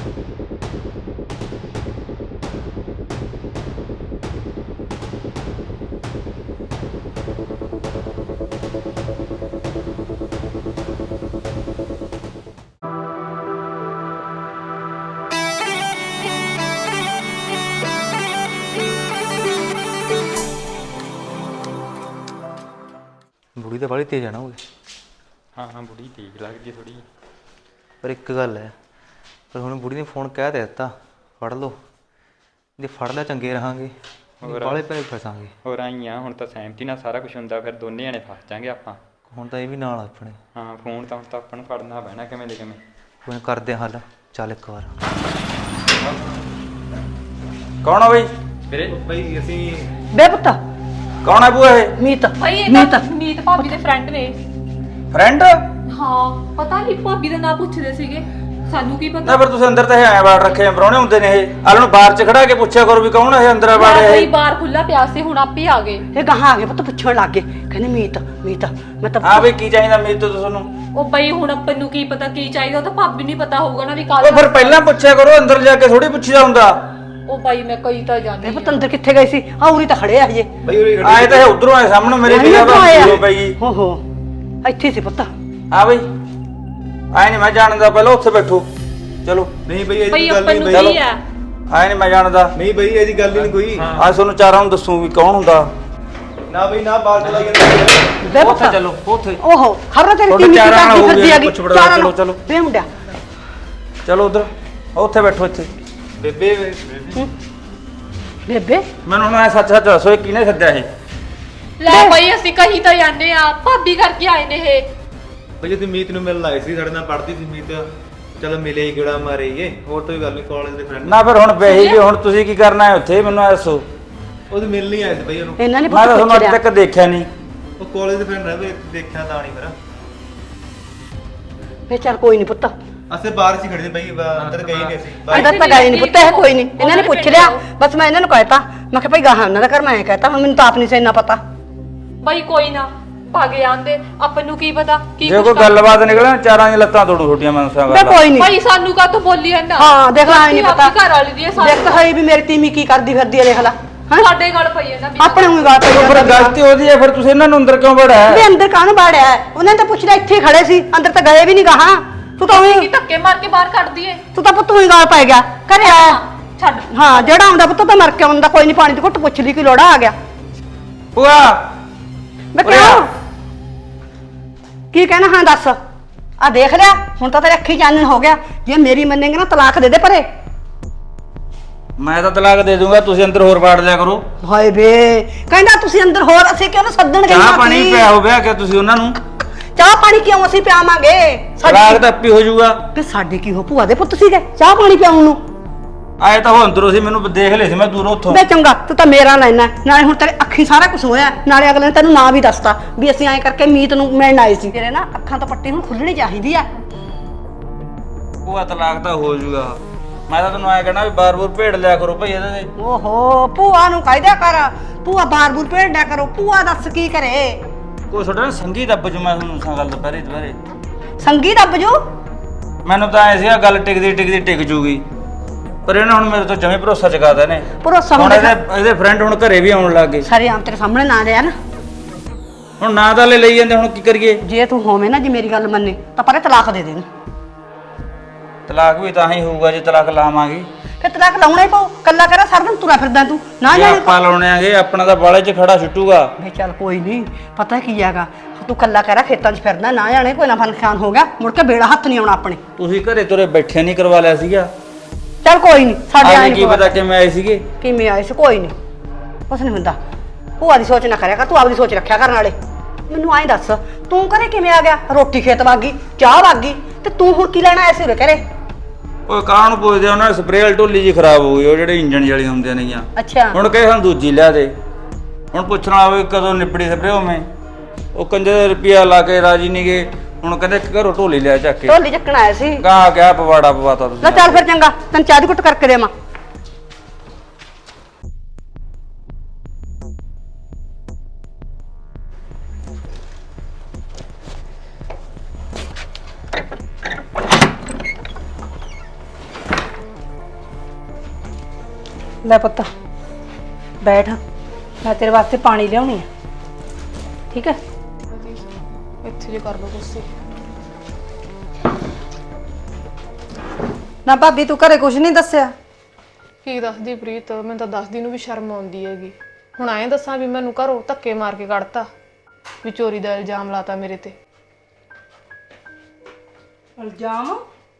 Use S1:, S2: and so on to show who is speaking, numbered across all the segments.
S1: ਬੁੜੀ ਤਾਂ ਬਾਹਲੀ ਤੇਜ਼ ਆ ਨਾ ਉਹ।
S2: ਹਾਂ ਬੁੜੀ ਤੇਜ਼ ਲੱਗਦੀ ਥੋੜੀ।
S1: ਪਰ ਇੱਕ ਗੱਲ ਹੈ, ਪਰ ਹੁਣ ਬੁੜੀ ਨੇ ਫੋਨ ਕਹਿ ਦਿੱਤਾ ਫੜ ਲਓ, ਜੇ ਫੜ ਲਿਆ ਚੰਗੇ ਰਹਾਂਗੇ, ਬਾਹਲੇ ਪੈਸੇ ਫਸਾਂਗੇ।
S2: ਹੋਰ ਆਈ ਆ, ਹੁਣ ਤਾਂ ਸਹਿਮਤੀ ਨਾਲ ਸਾਰਾ ਕੁਝ ਹੁੰਦਾ, ਫਿਰ ਦੋਨੇ ਜਣੇ ਫਸ ਜਾਾਂਗੇ ਆਪਾਂ।
S1: ਹੁਣ ਤਾਂ ਇਹ ਵੀ ਨਾਲ ਆਪਣੇ।
S2: ਹਾਂ ਫੋਨ ਤਾਂ ਹੁਣ ਤਾਂ ਆਪਾਂ ਨੂੰ ਫੜਨਾ ਪੈਣਾ ਕਿਵੇਂ ਦੇ ਕਿਵੇਂ।
S1: ਕੋਈ ਕਰਦੇ ਹੱਲ, ਚੱਲ ਇੱਕ ਵਾਰ।
S2: ਕੌਣ ਆ ਬਈ? ਵੀਰੇ
S3: ਬਈ ਅਸੀਂ
S4: ਬੇ ਪੁੱਤ
S2: ਕੌਣ ਆ ਬੂਆ ਇਹ?
S4: ਮੀਤ
S5: ਭਾਈ ਇਹ ਤਾਂ ਮੀਤ ਭਾਬੀ ਦੇ ਫਰੈਂਡ ਨੇ।
S2: ਫਰੈਂਡ?
S5: ਹਾਂ ਪਤਾ ਨਹੀਂ ਭਾਬੀ ਦਾ ਨਾਂ ਪੁੱਛਦੇ ਸੀਗੇ, ਸਾਨੂੰ ਕੀ
S2: ਨਾ
S5: ਪਤਾ।
S2: ਫਿਰ ਤੁਸੀਂ ਅੰਦਰ ਤਾਂ ਇਹ ਐਂ ਬਾੜ ਰੱਖੇ ਪਰੌਣੇ ਹੁੰਦੇ ਨੇ ਇਹ। ਆਲ ਨੂੰ ਬਾਹਰ ਚ ਖੜਾ ਕੇ ਪੁੱਛਿਆ ਕਰੋ ਵੀ ਕੌਣ ਇਹ ਅੰਦਰ ਬਾੜੇ
S5: ਭਾਈ
S2: ਇਹ।
S5: ਬਾਹਰ ਖੁੱਲਾ ਪਿਆ ਸੀ, ਹੁਣ ਆਪੇ ਆ ਗਏ।
S4: ਇਹ ਗਾਹਾਂ ਆ ਗਏ ਪੁੱਤ, ਪੁੱਛਣ ਲੱਗ ਗਏ, ਕਹਿੰਦੇ ਮੀਤ ਮੀਤ। ਮੈਂ ਤਾਂ
S2: ਹਾਂ ਬਈ ਕੀ ਚਾਹੀਦਾ ਮੇਰੇ ਤੋਂ ਤੁਹਾਨੂੰ?
S5: ਉਹ ਬਈ ਹੁਣ ਆਪਾਂ ਨੂੰ ਕੀ ਪਤਾ ਕੀ ਚਾਹੀਦਾ, ਉਹ ਤਾਂ ਭਾਬੀ ਨੂੰ ਪਤਾ ਹੋਊਗਾ ਨਾ ਵੀ
S2: ਉਹ
S5: ਕੱਲ।
S2: ਫਿਰ ਪਹਿਲਾਂ ਪੁੱਛਿਆ ਕਰੋ, ਅੰਦਰ ਜਾ ਕੇ ਥੋੜੀ ਪੁੱਛੀਦਾ ਹੁੰਦਾ।
S5: ਉਹ ਬਾਈ ਮੈਂ ਕਈ ਤਾਂ ਜਾਣੀ
S4: ਇਹ ਪੁੱਤ ਅੰਦਰ ਕਿੱਥੇ ਗਏ ਸੀ? ਆ ਉਰੀ ਤਾਂ ਖੜੇ ਆ ਹਜੇ।
S3: ਬਈ ਉਰੇ ਖੜੇ
S2: ਆਏ ਤਾਂ ਇਹ ਉਧਰੋਂ ਆਏ ਸਾਹਮਣੇ ਮੇਰੇ ਨਿਗਾਹ ਤੋਂ ਪਈ।
S4: ਹੋ ਹੋ ਇੱਥੇ ਸੀ ਪੁੱਤ।
S2: ਹਾਂ ਬਈ ਆਏ ਨਹੀਂ ਮੈਂ ਜਾਣਦਾ, ਪਹਿਲਾਂ ਉੱਥੇ ਬੈਠੋ ਚਲੋ।
S3: ਨਹੀਂ ਬਈ
S5: ਬਈ
S3: ਇਹਦੀ ਗੱਲ
S5: ਆਪਾਂ
S3: ਨਹੀਂ
S5: ਨੂੰ
S3: ਬਈ।
S5: ਕੀ ਆ।
S2: ਆਏ ਨਹੀਂ ਮੈਂ ਜਾਣਦਾ।
S3: ਨਹੀਂ ਬਈ ਇਹਦੀ ਗੱਲ ਹੀ ਨਹੀਂ ਕੋਈ।
S2: ਅੱਜ ਤੁਹਾਨੂੰ ਚਾਰਾਂ ਨੂੰ ਦੱਸੂ ਵੀ ਕੌਣ ਹੁੰਦਾ।
S3: ਨਾ ਬਈ ਨਾ ਬਾਲ ਚਲਾਈ ਜਾਂਦੇ।
S4: ਬੇ
S2: ਉੱਥੇ
S4: ਪੁੱਤ
S2: ਚਲੋ ਉੱਥੇ
S4: ਓਹੋ ਖਬਰ ਤੇਰੀ
S2: ਤੁਹਾਡੇ
S4: ਟੀਵੀ
S2: ਚਾਰਾਂ ਨਾਲ
S4: ਕਰਦੀ
S2: ਹੋ
S4: ਫਿਰਦੀ
S2: ਗਿਆ,
S4: ਹੈਗੀ।
S2: ਪੁੱਛ ਪੜਤਾਲ
S4: ਚਾਰਾਂ
S2: ਚਲੋ,
S4: ਨਾਲ।
S2: ਚਲੋ।
S4: ਬੇ ਮੁੰਡਿਆ
S2: ਚਲੋ ਉਧਰ ਉੱਥੇ ਬੈਠੋ ਇੱਥੇ।
S3: ਬੇਬੇ
S4: ਬੇਬੇ
S2: ਮੈਨੂੰ ਹੁਣ ਸੱਚ ਸੱਚ ਦੱਸੋ ਇਹ ਕਿਹਨੇ ਸੱਦਿਆ ਇਹ?
S5: ਲੈ ਬਾਈ ਅਸੀਂ ਕਹੀ ਤਾਂ ਜਾਂਦੇ ਆ, ਭਾਬੀ ਕਰਕੇ ਆਏ ਨੇ ਇਹ।
S3: ਬਈ ਅਸੀਂ ਮੀਤ ਨੂੰ ਮਿਲਣ ਆਏ ਸੀ, ਸਾਡੇ ਨਾਲ ਪੜ੍ਹਦੀ ਸੀ ਮੀਤ। ਚਲੋ ਮਿਲੇ ਹੀ ਗੇੜਾ ਮਾਰੇਗੇ, ਹੋਰ ਤਾਂ ਕੋਈ ਗੱਲ ਨਹੀਂ, ਕਾਲਜ ਦੇ ਫਰੈਂਡ।
S2: ਨਾ ਫਿਰ ਹੁਣ ਬਹਿੀ ਵੀ ਹੁਣ ਤੁਸੀਂ ਕੀ ਕਰਨਾ ਹੈ ਉੱਥੇ ਮੈਨੂੰ ਦੱਸੋ।
S3: ਉਹਦੇ ਮਿਲ ਨਹੀਂ ਆਏ ਸੀ ਬਈ ਉਹਨੂੰ।
S4: ਇਹਨਾਂ ਨੇ
S2: ਮੈਂ ਤਾਂ
S4: ਪੁੱਤ
S2: ਤੁਹਾਨੂੰ ਅੱਜ
S4: ਪੁੱਛਿਆ।
S2: ਤੱਕ ਦੇਖਿਆ ਨਹੀਂ।
S3: ਉਹ ਕਾਲਜ ਦੇ ਫਰੈਂਡ ਰਹੇ, ਦੇਖਿਆ ਤਾਂ ਨਹੀਂ ਫਿਰ।
S4: ਫੇ ਚੱਲ ਕੋਈ ਨਹੀਂ ਪੁੱਤ,
S3: ਅਸੀਂ ਬਾਹਰ ਸੀ ਖੜੇ ਸੀ ਬਈ, ਅੰਦਰ ਗਏ ਨਹੀਂ ਅਸੀਂ।
S4: ਅੰਦਰ ਤਾਂ ਗਏ ਨਹੀਂ ਪੁੱਤ, ਇਹ ਕੋਈ ਨਹੀਂ। ਇਹਨਾਂ ਨੇ ਪੁੱਛ ਲਿਆ, ਬਸ ਮੈਂ ਇਹਨਾਂ ਨੂੰ ਕਹਿਤਾ, ਮੈਂ ਕਿਹਾ ਭਾਈ ਗਾਹਾਂ ਉਹਨਾਂ ਦਾ ਘਰ, ਮੈਂ ਕਹਿਤਾ, ਹੁਣ ਮੈਨੂੰ ਤਾਂ ਆਪ ਨਹੀਂ ਸੀ ਇੰਨਾ ਪਤਾ।
S5: ਬਾਈ ਕੋਈ ਨਾ ਭਾਗੇ ਆਂਦੇ, ਆਪਾਂ ਨੂੰ ਕੀ ਪਤਾ ਕੀ
S2: ਜੇ
S5: ਕੁਛ
S2: ਕੋਈ
S5: ਕਰ-
S2: ਗੱਲਬਾਤ ਨਿਕਲੇ ਨਾ ਚਾਰਾਂ ਦੀਆਂ ਲੱਤਾਂ ਤੋੜੂ ਛੋਟੀਆਂ ਮੈਂ ਦੱਸਾਂ
S4: ਬੇ
S2: ਗੱਲ।
S4: ਕੋਈ ਨਹੀਂ।
S5: ਭਾਈ ਸਾਨੂੰ ਕਾ ਬੋਲੀ ਜਾਂਦਾ।
S4: ਹਾਂ ਦੇਖ ਲੈ ਨਹੀਂ ਪਤਾ।
S5: ਘਰ ਵਾਲੀ ਦੀ ਹੈ
S4: ਦੇਖ ਤਾਂ ਹੈ ਵੀ ਮੇਰੀ ਤੀਮੀ ਕੀ ਕਰਦੀ ਫਿਰਦੀ ਹੈ, ਦੇਖ ਲੈ। ਹਾਂ
S5: ਸਾਡੇ ਗੱਲ ਪਈ ਹੈ ਨਾ ਬਿਨਾਂ।
S4: ਆਪਣੇ ਨੂੰ ਗੱਲ ਪਈ
S2: ਫਿਰ
S4: ਜਾਂਦਾ।
S2: ਗਲਤੀ ਉਹਦੀ ਹੈ, ਫਿਰ ਤੁਸੀਂ ਇਹਨਾਂ ਨੂੰ ਅੰਦਰ ਕਿਉਂ ਵੜਿਆ?
S4: ਵੀ ਅੰਦਰ ਕਾਹਨੂੰ ਬਾੜਿਆ ਹੈ? ਉਹਨਾਂ ਨੇ ਤਾਂ ਪੁੱਛ ਲਿਆ, ਇੱਥੇ ਹੀ ਖੜੇ ਸੀ, ਅੰਦਰ ਤਾਂ ਗਏ ਵੀ ਨਹੀਂ ਗਾਹਾਂ। ਤੂੰ ਤਾਂ
S5: ਕੀ
S4: ਉਹੀ
S5: ਧੱਕੇ ਮਾਰ ਕੇ ਬਾਹਰ ਕੱਢ ਦਈਏ।
S4: ਤੂੰ ਤਾਂ ਪੁੱਤ ਹੀ ਗਾਲ ਪੈ ਗਿਆ, ਘਰੇ ਆਇਆ।
S5: ਛੱਡ।
S4: ਹਾਂ ਜਿਹੜਾ ਆਉਂਦਾ ਪੁੱਤ ਤਾਂ ਮਰ ਕੇ ਆਉਂਦਾ, ਕੋਈ ਨਹੀਂ, ਪਾਣੀ ਦੀ ਘੁੱਟ ਪੁੱਛ ਲਈ, ਕੀ ਲੋੜਾ ਆ ਗਿਆ।
S2: ਭੂਆ
S4: ਮੈਂ ਕਿਹਾ ਕੀ ਕਹਿਣਾ? ਹਾਂ ਦੱਸ। ਆ ਦੇਖ ਲਿਆ, ਹੁਣ ਤਾਂ ਤੇਰੇ ਅੱਖੀ ਚਾਨਣ ਹੋ ਗਿਆ। ਜੇ ਮੇਰੀ ਮੰਨੇਂਗੇ ਨਾ ਤਲਾਕ ਦੇ ਦੇ ਪਰੇ।
S2: ਮੈਂ ਤਾਂ ਤਲਾਕ ਦੇ ਦੂੰਗਾ, ਤੁਸੀਂ ਅੰਦਰ ਹੋਰ ਵਾੜ ਲਿਆ ਕਰੋ।
S4: ਹਾਏ ਵੇ ਕਹਿੰਦਾ ਤੁਸੀਂ ਅੰਦਰ ਹੋਰ, ਅਸੀਂ ਕਿਉਂ ਨਾ ਸੱਦਣ ਗਏ?
S2: ਚਾਹ ਪਾਣੀ ਪਿਆ ਹੋ ਗਿਆ ਕਿ ਤੁਸੀਂ ਉਹਨਾਂ ਨੂੰ?
S4: ਚਾਹ ਪਾਣੀ ਕਿਉਂ ਅਸੀਂ ਪਿਆਵਾਂਗੇ?
S2: ਤਲਾਕ ਤਾਂ ਆਪੀ ਹੋ ਜਾਊਗਾ।
S4: ਤੇ ਸਾਡੇ ਕੀ ਹੋ, ਭੂਆ ਦੇ ਪੁੱਤ ਸੀਗੇ ਚਾਹ ਪਾਣੀ ਪਿਆਉਣ ਨੂੰ?
S2: ਆਏ ਤਾਂ ਉਹ ਅੰਦਰੋਂ ਸੀ, ਮੈਨੂੰ ਦੇਖ ਲਿਆ ਸੀ ਮੈਂ ਦੂਰੋਂ ਉੱਥੋਂ।
S4: ਵੇ ਚੰਗਾ, ਤੂੰ ਤਾਂ ਮੇਰਾ ਲੈਣਾ, ਨਾਲੇ ਹੁਣ ਤੇਰੇ ਅੱਖੀ ਸਾਰਾ ਕੁਝ ਹੋਇਆ, ਨਾਲੇ ਅਗਲੇ ਨੇ ਤੈਨੂੰ ਨਾਂ ਵੀ ਦੱਸਤਾ ਵੀ ਅਸੀਂ ਐਂ ਕਰਕੇ ਮੀਤ ਨੂੰ ਮਿਲਣ ਆਏ ਸੀ। ਤੇਰੇ ਨਾ ਅੱਖਾਂ ਤੋਂ ਪੱਟੀ ਹੁਣ ਖੁੱਲਣੀ ਚਾਹੀਦੀ ਆ।
S2: ਭੂਆ ਤਲਾਕ ਤਾਂ ਹੋ ਜਾਊਗਾ। ਮੈਂ ਤਾਂ ਤੁਹਾਨੂੰ ਐਂ ਕਹਿਣਾ ਵੀ ਬਾਰ-ਬੂਰ ਭੇੜ ਲਿਆ ਕਰੋ ਭਈ ਇਹਦੇ ਤੇ।
S4: ਓਹੋ ਭੂਆ ਨੂੰ ਕਹਿ ਕਰ, ਭੂਆ ਬਾਰ-ਬੂਰ ਭੇਡਿਆ ਕਰੋ। ਭੂਆ ਦੱਸ ਕੀ ਕਰੇ?
S2: ਕੋਈ ਤੁਹਾਡਾ ਸੰਗੀ ਦੱਬ ਜੂ, ਮੈਂ ਤੁਹਾਨੂੰ ਦੱਸਾਂ ਗੱਲ ਦੁਪਹਿਰੇ
S4: ਸੰਗੀ ਦੱਬ ਜੂ?
S2: ਮੈਨੂੰ ਤਾਂ ਐ ਸੀਗਾ ਗੱਲ ਟਿਕਦੀ ਟਿਕ ਜੂਗੀ, ਪਰ ਇਹਨਾਂ ਹੁਣ ਮੇਰੇ ਤੋਂ ਜਮੇ ਭਰੋਸਾ ਚੁਕਾਦਾ ਨੇ।
S4: ਭਰੋਸਾ
S2: ਹੁਣ
S4: ਹੁਣ
S2: ਇਹਦੇ ਫਰੈਂਡ ਹੁਣ ਘਰੇ ਵੀ ਆਉਣ ਲੱਗ ਗਏ।
S4: ਸਾਰੇ ਆਮ ਤੇਰੇ ਸਾਹਮਣੇ ਨਾ ਰਿਆ ਨਾ।
S2: ਹੁਣ ਨਾਂ ਤਾਂ ਲੈ ਲਈ ਜਾਂਦੇ, ਹੁਣ ਕੀ ਕਰੀਏ?
S4: ਜੇ ਤੂੰ ਹੋਵੇਂ ਨਾ, ਜੇ ਮੇਰੀ ਗੱਲ ਮੰਨੇ ਤਾਂ ਪਰੇ ਤਲਾਕ ਦੇ ਦੇਣ।
S2: ਤਲਾਕ ਵੀ ਤਾਂ ਹੀ ਹੋਊਗਾ ਜੇ ਤਲਾਕ ਲਾਵਾਂਗੇ।
S4: ਫਿਰ ਤਲਾਕ ਲਾਉਣਾ ਹੀ ਪਊ। ਕੱਲਾ ਕਰਾ ਸਾਰਾ ਦਿਨ ਤੁਰਾ ਫਿਰਦਾ ਤੂੰ ਨਾ
S2: ਜੇ
S4: ਜਾਣੇ।
S2: ਆਪਾਂ ਲਾਉਣੇ ਆਂਗੇ ਆਪਣਾ ਤਾਂ ਬਾਲੇ 'ਚ ਖੜਾ ਛੁੱਟੂਗਾ।
S4: ਵੇ ਚੱਲ ਕੋਈ ਨਹੀਂ, ਪਤਾ ਕੀ ਹੈਗਾ, ਤੂੰ ਕੱਲਾ ਕਰਾ ਖੇਤਾਂ 'ਚ ਫਿਰਦਾ, ਨਾ ਜਾਣੇ ਕੋਈ ਨਾ ਫਨਖਾਨ ਹੋ ਗਿਆ, ਮੁੜ ਕੇ ਬੇੜਾ ਹੱਥ ਨਹੀਂ ਆਉਣਾ ਆਪਣੇ।
S2: ਤੁਸੀਂ ਘਰੇ ਤੁਰੇ ਬੈਠੇ ਨਹੀਂ ਕਰਵਾ ਲਿਆ ਸੀਗਾ?
S4: ਚੱਲ ਕੋਈ ਨਹੀਂ, ਸਾਡੇ
S2: ਆਏ
S4: ਆਏ
S2: ਕੀ ਪਤਾ ਕਿਵੇਂ ਆਏ ਸੀਗੇ।
S4: ਕਿਵੇਂ ਆਏ ਸੀ, ਕੋਈ ਨਹੀਂ, ਕੁਛ ਨਹੀਂ ਹੁੰਦਾ। ਭੂਆ ਦੀ ਸੋਚ ਨਾ ਕਰਿਆ ਕਰ, ਤੂੰ ਆਪਦੀ ਸੋਚ ਰੱਖਿਆ ਕਰਨ ਵਾਲੇ। ਮੈਨੂੰ ਐਂ ਦੱਸ, ਤੂੰ ਘਰੇ ਕਿਵੇਂ ਆ ਗਿਆ? ਰੋਟੀ ਖੇਤ ਵਾਗੀ, ਚਾਹ ਵਾਗੀ, ਤੇ ਤੂੰ ਹੁਣ ਕੀ ਲੈਣਾ ਆਇਆ ਸੀ ਉਰੇ ਘਰੇ?
S2: ਓਏ ਕਾਂ ਨੂੰ ਪੁੱਛਦੇ ਉਹਨਾਂ ਦੀ ਸਪਰੇਅ ਵਾਲੀ ਢੋਲੀ ਜੀ ਖਰਾਬ ਹੋ ਗਈ, ਉਹ ਜਿਹੜੇ ਇੰਜਣ ਵਾਲੀ ਹੁੰਦੀਆਂ ਨੇਗੀਆਂ।
S4: ਅੱਛਾ
S2: ਹੁਣ ਕਹੇ ਸਾਨੂੰ ਦੂਜੀ ਲਿਆ ਦੇ। ਹੁਣ ਪੁੱਛਣ ਵਾਲਾ ਵੀ ਕਦੋਂ ਨਿਪੜੀ ਸਪਰੇਅ ਹੋਵੇਂ, ਉਹ ਕੰਜੇ ਰੁਪਿਆ ਲਾ ਕੇ ਰਾਜੀ ਨਹੀਂ ਗਏ। ਹੁਣ ਕਹਿੰਦੇ ਘਰੋਂ ਢੋਲੀ ਲਿਆ ਚੱਕ ਕੇ।
S4: ਢੋਲੀ ਚੱਕਣ ਆਇਆ ਸੀ?
S2: ਕਾ ਕਿਆ ਪਵਾੜਾ ਪਵਾਤਾ
S4: ਲੈ
S2: ਤੁਸੀਂ।
S4: ਚੱਲ ਫਿਰ ਚੰਗਾ, ਤੈਨੂੰ ਚਾਹ ਦੀ ਘੁੱਟ ਕਰਕੇ ਦੇਵਾਂ। ਲੈ ਪੁੱਤ ਬੈਠ, ਮੈਂ ਤੇਰੇ ਵਾਸਤੇ ਪਾਣੀ ਲਿਆਉਣੀ ਆ, ਠੀਕ ਹੈ?
S5: ਇੱਥੇ ਜੇ ਕਰ ਲਓ ਤੁਸੀਂ।
S4: ਨਾ ਭਾਬੀ ਤੂੰ ਘਰੇ ਕੁਝ ਨਹੀਂ ਦੱਸਿਆ?
S5: ਕੀ ਦੱਸਦੀ ਪ੍ਰੀਤ, ਮੈਨੂੰ ਤਾਂ ਦੱਸਦੀ ਨੂੰ ਵੀ ਸ਼ਰਮ ਆਉਂਦੀ ਹੈਗੀ। ਹੁਣ ਐਂ ਦੱਸਾਂ ਵੀ ਮੈਨੂੰ ਘਰੋਂ ਧੱਕੇ ਮਾਰ ਕੇ ਕੱਢਤਾ, ਵੀ ਚੋਰੀ ਦਾ ਇਲਜ਼ਾਮ ਲਾਤਾ ਮੇਰੇ ਤੇ।
S4: ਇਲਜ਼ਾਮ?